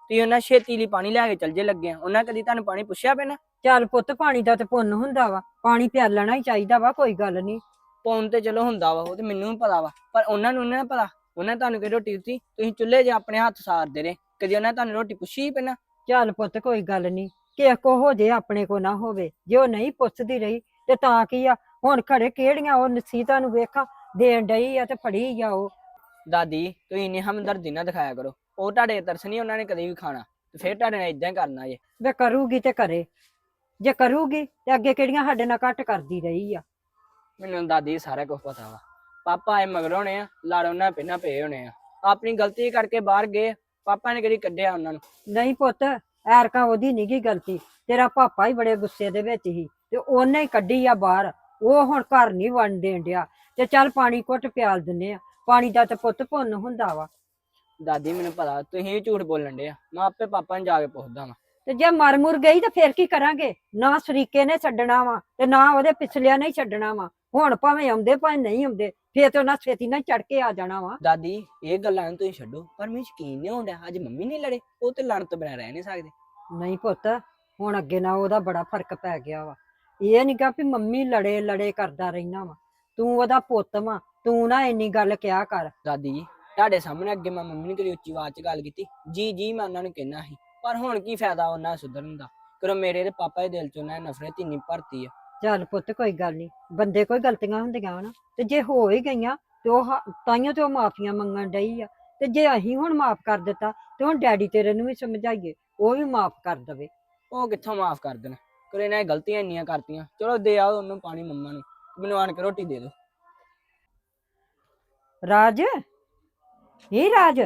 Speaker 5: ਤੁਸੀਂ ਉਹਨਾਂ ਛੇਤੀ ਲਈ ਪਾਣੀ ਲੈ ਕੇ ਚੱਲ ਜੇ ਲੱਗੇ ਆ, ਉਹਨਾਂ ਕਦੀ ਤੁਹਾਨੂੰ ਪਾਣੀ ਪੁੱਛਿਆ ਪੈਣਾ?
Speaker 1: ਚੱਲ ਪੁੱਤ ਪਾਣੀ ਦਾ ਤੇ ਪੁੰਨ ਹੁੰਦਾ ਵਾ, ਪਾਣੀ ਪਿਆਲਣਾ ਹੀ ਚਾਹੀਦਾ ਵਾ, ਕੋਈ ਗੱਲ ਨਹੀਂ।
Speaker 5: ਪਾਉਣ ਤੇ ਚਲੋ ਹੁੰਦਾ ਵਾ, ਉਹ ਤੇ ਮੈਨੂੰ ਵੀ ਪਤਾ ਵਾ, ਪਰ ਉਹਨਾਂ ਨੂੰ ਨੀ ਨਾ ਪਤਾ। ਉਹਨਾਂ ਤੁਹਾਨੂੰ ਕਿ ਰੋਟੀ ਦਿੱਤੀ, ਤੁਸੀਂ ਚੁੱਲ੍ਹੇ 'ਚ ਆਪਣੇ ਹੱਥ ਸਾਰਦੇ ਰਹੇ, ਕਦੀ ਉਹਨਾਂ ਤੁਹਾਨੂੰ ਰੋਟੀ ਪੁੱਛੀ ਹੀ ਪੈਣਾ?
Speaker 1: ਚੱਲ ਪੁੱਤ ਕੋਈ ਗੱਲ ਨਹੀਂ, ਕਿਸੇ ਕੋ ਹੋ ਜੇ ਆਪਣੇ ਕੋ ਨਾ ਹੋਵੇ, ਜੇ ਉਹ ਨਹੀਂ ਪੁੱਛਦੀ ਰਹੀ ਤੇ ਤਾਂ ਕੀ ਆ, ਹੁਣ ਘਰੇ ਕਿਹੜੀਆਂ ਉਹ ਨਸੀਹਤਾਂ ਨੂੰ ਵੇਖਾਂ ਦੇਣ ਡਈ ਆ ਤੇ ਫੜੀ ਆ ਉਹ।
Speaker 5: ਦਾਦੀ ਤੁਸੀਂ ਇੰਨੀ ਹਮਦਰਦੀ ਨਾ ਦਿਖਾਇਆ ਕਰੋ, ਉਹ ਤੁਹਾਡੇ ਤਰਸ ਨਹੀਂ ਉਹਨਾਂ ਨੇ ਕਦੇ ਵੀ ਖਾਣਾ, ਤੇ ਫਿਰ ਤੁਹਾਡੇ ਨਾਲ ਇਦਾਂ ਹੀ ਕਰਨਾ ਜੇ।
Speaker 1: ਵੇ ਕਰੂਗੀ ਤੇ ਕਰੇ, ਜੇ ਕਰੂਗੀ ਤੇ ਅੱਗੇ ਕਿਹੜੀਆਂ ਸਾਡੇ ਨਾਲ ਘੱਟ ਕਰਦੀ ਰਹੀ ਆ।
Speaker 5: ਮੈਨੂੰ ਦਾਦੀ ਸਾਰਾ ਕੁਝ ਪਤਾ ਵਾ, ਪਾਪਾ ਆਏ ਮਗਰ ਹੋਣੇ ਆ, ਲੜ ਉਹਨਾਂ ਪਹਿਲਾਂ ਪਏ ਹੋਣੇ ਆ, ਆਪਣੀ ਗਲਤੀ ਕਰਕੇ ਬਾਹਰ ਗਏ, ਪਾਪਾ ਨੇ ਕਦੀ ਕੱਢਿਆ ਉਹਨਾਂ ਨੂੰ?
Speaker 1: ਨਹੀਂ ਪੁੱਤ, ਐਰਕਾਂ ਉਹਦੀ ਨੀ ਗੀ ਗਲਤੀ, ਤੇਰਾ ਪਾਪਾ ਹੀ ਬੜੇ ਗੁੱਸੇ ਦੇ ਵਿੱਚ ਸੀ ਤੇ ਉਹਨੇ ਹੀ ਕੱਢੀ ਆ ਬਾਹਰ, ਉਹ ਹੁਣ ਘਰ ਨਹੀਂ ਵੜਨ ਦੇਣ ਡਿਆ। ਤੇ ਚੱਲ ਪਾਣੀ ਘੁੱਟ ਪਿਆਲ ਦਿੰਨੇ ਆ, ਪਾਣੀ ਦਾ ਤੇ ਪੁੱਤ ਪੁੰਨ ਹੁੰਦਾ ਵਾ।
Speaker 5: ਦਾਦੀ ਮੈਨੂੰ ਪਤਾ ਤੁਸੀਂ ਵੀ ਝੂਠ ਬੋਲਣ ਡੇ ਆ, ਮੈਂ ਆਪੇ ਪਾਪਾ ਨੂੰ ਜਾ ਕੇ ਪੁੱਛਦਾ ਵਾਂ।
Speaker 1: ਤੇ ਜੇ ਮਰ ਮੁਰ ਗਈ ਤਾਂ ਫੇਰ ਕੀ ਕਰਾਂਗੇ? ਨਾ ਸਰੀਕੇ ਨੇ ਛੱਡਣਾ ਵਾ ਤੇ ਨਾ ਉਹਦੇ ਪਿਛਲਿਆਂ ਨੇ ਹੀ ਛੱਡਣਾ ਵਾ। ਹੁਣ ਭਾਵੇਂ ਆਉਂਦੇ ਭਾਵੇਂ ਨਹੀਂ ਆਉਂਦੇ, ਫੇਰ ਤੇ ਉਹਨਾਂ ਛੇਤੀ ਨਾਲ ਚੜ ਕੇ ਆ ਜਾਣਾ ਵਾ।
Speaker 5: ਦਾਦੀ ਇਹ ਗੱਲਾਂ ਨੂੰ ਤੁਸੀਂ ਛੱਡੋ, ਪਰ ਮੈਨੂੰ ਯਕੀਨ ਨਹੀਂ ਹੁੰਦਾ ਅੱਜ ਮੰਮੀ ਨਹੀਂ ਲੜੇ, ਉਹ ਤੇ ਲੜਨ ਤੋਂ ਬਿਨਾਂ ਰਹਿ ਨਹੀਂ ਸਕਦੇ।
Speaker 1: ਨਹੀਂ ਪੁੱਤ, ਹੁਣ ਅੱਗੇ ਨਾਲ ਉਹਦਾ ਬੜਾ ਫਰਕ ਪੈ ਗਿਆ ਵਾ। ਇਹ ਨੀ ਗਾ ਵੀ ਮੰਮੀ ਲੜੇ ਲੜੇ ਕਰਦਾ ਰਹਿਣਾ ਵਾ, ਤੂੰ ਉਹਦਾ ਪੁੱਤ ਵਾ, ਤੂੰ ਨਾ ਇੰਨੀ ਗੱਲ ਕਿਹਾ ਕਰ।
Speaker 5: ਦਾਦੀ ਜੀ ਤੁਹਾਡੇ ਸਾਹਮਣੇ ਅੱਗੇ ਮੈਂ ਮੰਮੀ ਨੇ ਕਦੀ ਉੱਚੀ ਆਵਾਜ਼ 'ਚ ਗੱਲ ਕੀਤੀ? ਜੀ ਜੀ ਮੈਂ ਉਹਨਾਂ ਨੂੰ ਕਹਿਣਾ ਸੀ, ਪਰ ਹੁਣ ਕੀ ਫਾਇਦਾ ਉਹਨਾਂ ਸੁਧਰਨ ਦਾ, ਕਰੋ ਮੇਰੇ ਤੇ ਪਾਪਾ ਦੇ ਦਿਲ 'ਚ ਉਹਨਾਂ ਨੇ ਨਫ਼ਰਤ ਇੰਨੀ ਭਰਤੀ ਆ।
Speaker 1: ਚੱਲ ਪੁੱਤ ਕੋਈ ਗੱਲ ਨਹੀਂ, ਬੰਦੇ ਕੋਈ ਗਲਤੀਆਂ ਹੁੰਦੀਆਂ ਵਾ, ਤੇ ਜੇ ਹੋ ਹੀ ਗਈਆਂ ਤੇ ਉਹ ਹ- ਤਾਈਓ ਤੇ ਉਹ ਮਾਫੀਆਂ ਮੰਗਣ ਡਈ ਆ। ਤੇ ਜੇ ਅਸੀਂ ਹੁਣ ਮਾਫ ਕਰ ਦਿੱਤਾ ਤੇ ਹੁਣ ਡੈਡੀ ਤੇਰੇ ਨੂੰ ਵੀ ਸਮਝਾਈਏ, ਉਹ ਵੀ ਮਾਫ ਕਰ ਦਵੇ।
Speaker 5: ਉਹ ਕਿੱਥੋਂ ਮਾਫ ਕਰ ਦੇਣ, ਕਰੋ ਇਹਨਾਂ ਨੇ ਗਲਤੀਆਂ ਇੰਨੀਆਂ ਕਰਤੀਆਂ। ਚਲੋ ਦੇ ਆਓ ਉਹਨੂੰ ਪਾਣੀ ਮੰਮਾ ਨੂੰ, ਮੈਨੂੰ ਆਣ ਕੇ ਰੋਟੀ ਦੇ ਦਿਓ।
Speaker 1: ਰਾਜ, ਇਹ ਰਾਜ,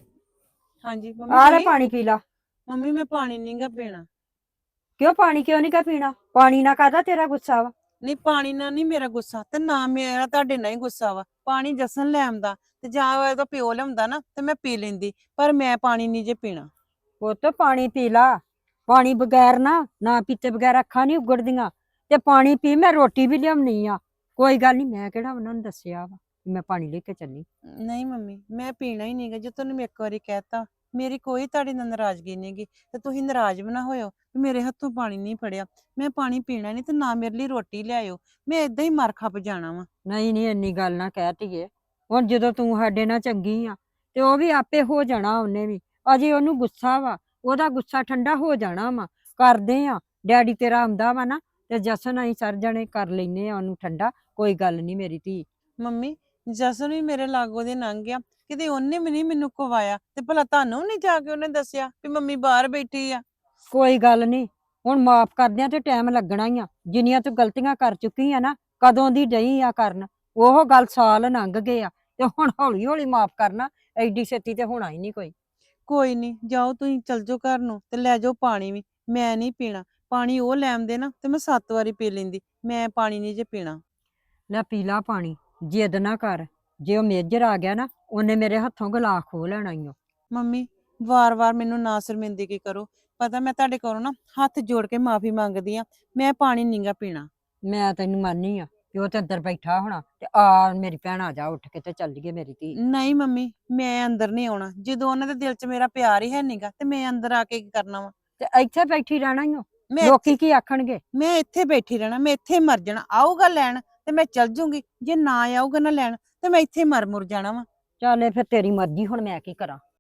Speaker 2: ਹਾਂਜੀ
Speaker 1: ਆ
Speaker 2: ਮੰਮੀ
Speaker 1: ਲੈ
Speaker 2: ਜੀ,
Speaker 1: ਪਾਣੀ ਪੀ ਲਾ।
Speaker 2: ਮੰਮੀ ਮੈਂ ਪਾਣੀ ਨਹੀਂ ਗਾ ਪੀਣਾ।
Speaker 1: ਕਿਉਂ ਪਾਣੀ ਕਿਉਂ ਨਹੀਂ ਕਾ ਪੀਣਾ? ਪਾਣੀ ਨਾ ਕਾਹਦਾ ਤੇਰਾ ਗੁੱਸਾ ਵਾ?
Speaker 2: ਨਹੀਂ ਪਾਣੀ ਨਾਲ ਨਹੀਂ ਮੇਰਾ ਗੁੱਸਾ, ਤੇ ਨਾ ਮੇਰਾ ਤੁਹਾਡੇ ਨਾਲ ਹੀ ਗੁੱਸਾ ਵਾ। ਪਾਣੀ ਜਸਨ ਲੈ ਆਉਂਦਾ ਤੇ ਜਾਂ ਉਹਦਾ ਪਿਓ ਲਿਆਉਂਦਾ ਨਾ ਤੇ ਮੈਂ ਪੀ ਲੈਂਦੀ, ਪਰ ਮੈਂ ਪਾਣੀ ਨਹੀਂ ਜੇ ਪੀਣਾ।
Speaker 1: ਪੁੱਤ ਪਾਣੀ ਪੀ ਲਾ, ਪਾਣੀ ਬਗੈਰ ਨਾ ਨਾ ਪੀਤੇ ਬਗੈਰ ਅੱਖਾਂ ਨਹੀਂ ਉਗੜਦੀਆਂ। ਤੇ ਪਾਣੀ ਪੀ, ਮੈਂ ਰੋਟੀ ਵੀ ਲਿਆਉਣੀ ਆ, ਕੋਈ ਗੱਲ ਨਹੀਂ, ਮੈਂ ਕਿਹੜਾ ਉਹਨਾਂ ਨੂੰ ਦੱਸਿਆ ਵਾ ਵੀ ਮੈਂ ਪਾਣੀ ਲੈ ਕੇ ਚੱਲੀ।
Speaker 2: ਨਹੀਂ ਮੰਮੀ ਮੈਂ ਪੀਣਾ ਹੀ ਨਹੀਂਗਾ, ਜੇ ਤੁਹਾਨੂੰ ਮੈਂ ਇੱਕ ਵਾਰੀ ਕਹਿਤਾ, ਮੇਰੀ ਕੋਈ ਤੁਹਾਡੇ ਨਾਲ ਨਾਰਾਜ਼ਗੀ ਨਹੀਂਗੀ, ਤੇ ਤੁਸੀਂ ਨਾਰਾਜ਼ ਵੀ ਨਾ ਹੋਇਓ ਵੀ ਮੇਰੇ ਹੱਥੋਂ ਪਾਣੀ ਨਹੀਂ ਫੜਿਆ। ਮੈਂ ਪਾਣੀ ਪੀਣਾ ਨਹੀਂ ਤੇ ਨਾ ਮੇਰੇ ਲਈ ਰੋਟੀ ਲਿਆਇਓ, ਮੈਂ ਏਦਾਂ ਹੀ ਮਰ ਖੱਪ ਜਾਣਾ ਵਾ।
Speaker 1: ਨਹੀਂ ਨਹੀਂ ਇੰਨੀ ਗੱਲ ਨਾ ਕਹਿ ਧੀਏ, ਹੁਣ ਜਦੋਂ ਤੂੰ ਸਾਡੇ ਨਾਲ ਚੰਗੀ ਆ ਤੇ ਉਹ ਵੀ ਆਪੇ ਹੋ ਜਾਣਾ, ਉਹਨੇ ਵੀ ਅਜੇ ਉਹਨੂੰ ਗੁੱਸਾ ਵਾ, ਉਹਦਾ ਗੁੱਸਾ ਠੰਡਾ ਹੋ ਜਾਣਾ ਵਾ। ਕਰਦੇ ਆ, ਡੈਡੀ ਤੇਰਾ ਆਉਂਦਾ ਵਾ ਨਾ ਤੇ ਜਸਨ ਅਸੀਂ ਸਰ ਜਣੇ ਕਰ ਲੈਨੇ ਆ ਉਹਨੂੰ ਠੰਡਾ, ਕੋਈ ਗੱਲ ਨਹੀਂ ਮੇਰੀ ਧੀ।
Speaker 2: ਮੰਮੀ ਜਸਨ ਵੀ ਮੇਰੇ ਲਾਗੋਂ ਦੇ ਲੰਘ ਗਿਆ, ਕਿਤੇ ਉਹਨੇ ਵੀ ਨਹੀਂ ਮੈਨੂੰ ਕਵਾਇਆ, ਤੇ ਭਲਾ ਤੁਹਾਨੂੰ ਨਹੀਂ ਜਾ ਕੇ ਉਹਨੇ ਦੱਸਿਆ ਵੀ ਮੰਮੀ ਬਾਹਰ ਬੈਠੀ ਆ?
Speaker 1: ਕੋਈ ਗੱਲ ਨਹੀਂ, ਹੁਣ ਮਾਫ ਕਰਦਿਆਂ ਤੇ ਟਾਈਮ ਲੱਗਣਾ ਹੀ ਆ, ਜਿੰਨੀਆਂ ਤੂੰ ਗਲਤੀਆਂ ਕਰ ਚੁੱਕੀ ਆ ਨਾ, ਕਦੋਂ ਦੀ ਡਈ ਆ ਕਰਨ, ਉਹ ਗੱਲ ਸਾਲ ਲੰਘ ਗਏ ਆ, ਤੇ ਹੁਣ ਹੌਲੀ ਹੌਲੀ ਮਾਫ ਕਰਨਾ, ਐਡੀ ਛੇਤੀ ਤੇ ਹੋਣਾ ਹੀ ਨਹੀਂ ਕੋਈ।
Speaker 2: ਕੋਈ ਨਹੀਂ, ਜਾਓ ਤੁਸੀਂ ਚਲ ਜਾਓ ਘਰ ਨੂੰ ਤੇ ਲੈ ਜਾਓ ਪਾਣੀ ਵੀ, ਮੈਂ ਨਹੀਂ ਪੀਣਾ ਪਾਣੀ। ਉਹ ਲੈ ਆਉਂਦੇ ਨਾ ਤੇ ਮੈਂ ਸੱਤ ਵਾਰੀ ਪੀ ਲੈਂਦੀ, ਮੈਂ ਪਾਣੀ ਨਹੀਂ ਜੇ ਪੀਣਾ।
Speaker 1: ਲੈ ਪੀ ਲਾ ਪਾਣੀ, ਜਿੱਦ ਨਾ ਕਰ, ਜੇ ਉਹ ਮੇਜਰ ਆ ਗਿਆ ਨਾ ਉਹਨੇ ਮੇਰੇ ਹੱਥੋਂ ਗਲਾਸ ਖੋਹ ਲੈਣਾ ਈ ਓ।
Speaker 2: ਮੰਮੀ ਵਾਰ-ਵਾਰ ਮੈਨੂੰ ਨਾ ਸ਼ਰਮਿੰਦਗੀ ਕਰੋ, ਪਤਾ ਮੈਂ ਤੁਹਾਡੇ ਕੋਲੋਂ ਨਾ ਹੱਥ ਜੋੜ ਕੇ ਮਾਫੀ ਮੰਗਦੀ ਆ, ਮੈਂ ਪਾਣੀ ਨਹੀਂਗਾ ਪੀਣਾ।
Speaker 1: ਮੈਂ ਤੈਨੂੰ ਮੰਨਨੀ ਆ ਕਿ ਉਹ ਤੇ ਅੰਦਰ ਬੈਠਾ ਹੋਣਾ, ਤੇ ਆ ਮੇਰੀ ਭੈਣ ਆ ਜਾ ਉੱਠ ਕੇ ਤੇ ਚੱਲ ਗਏ ਮੇਰੀ ਧੀ।
Speaker 2: ਨਹੀਂ ਮੰਮੀ ਮੈਂ ਅੰਦਰ ਨਹੀਂ ਆਉਣਾ, ਜਦੋਂ ਉਹਨਾਂ ਦੇ ਦਿਲ 'ਚ ਮੇਰਾ ਪਿਆਰ ਹੀ ਹੈ ਨਹੀਂਗਾ ਤੇ ਮੈਂ ਅੰਦਰ ਆ ਕੇ ਕੀ ਕਰਨਾ ਵਾ?
Speaker 1: ਤੇ ਇੱਥੇ ਬੈਠੀ ਰਹਿਣਾ ਈ ਓ,
Speaker 2: ਮੈਂ
Speaker 1: ਲੋਕੀ ਕੀ ਆਖਣਗੇ?
Speaker 2: ਮੈਂ ਇੱਥੇ ਬੈਠੀ ਰਹਿਣਾ, ਮੈਂ ਇੱਥੇ ਮਰ ਜਾਣਾ। ਆਊਗਾ ਲੈਣ ਤੇ ਮੈਂ ਚੱਲ ਜੂੰਗੀ, ਜੇ ਨਾ ਆਊਗਾ ਨਾ ਲੈਣ ਤੇ ਮੈਂ ਇੱਥੇ ਮਰ ਮੁਰ ਜਾਣਾ ਵਾ।
Speaker 1: ਚੱਲ ਇਹ ਫਿਰ ਤੇਰੀ ਮਰਜ਼ੀ, ਹੁਣ ਮੈਂ ਕੀ ਕਰਾਂ।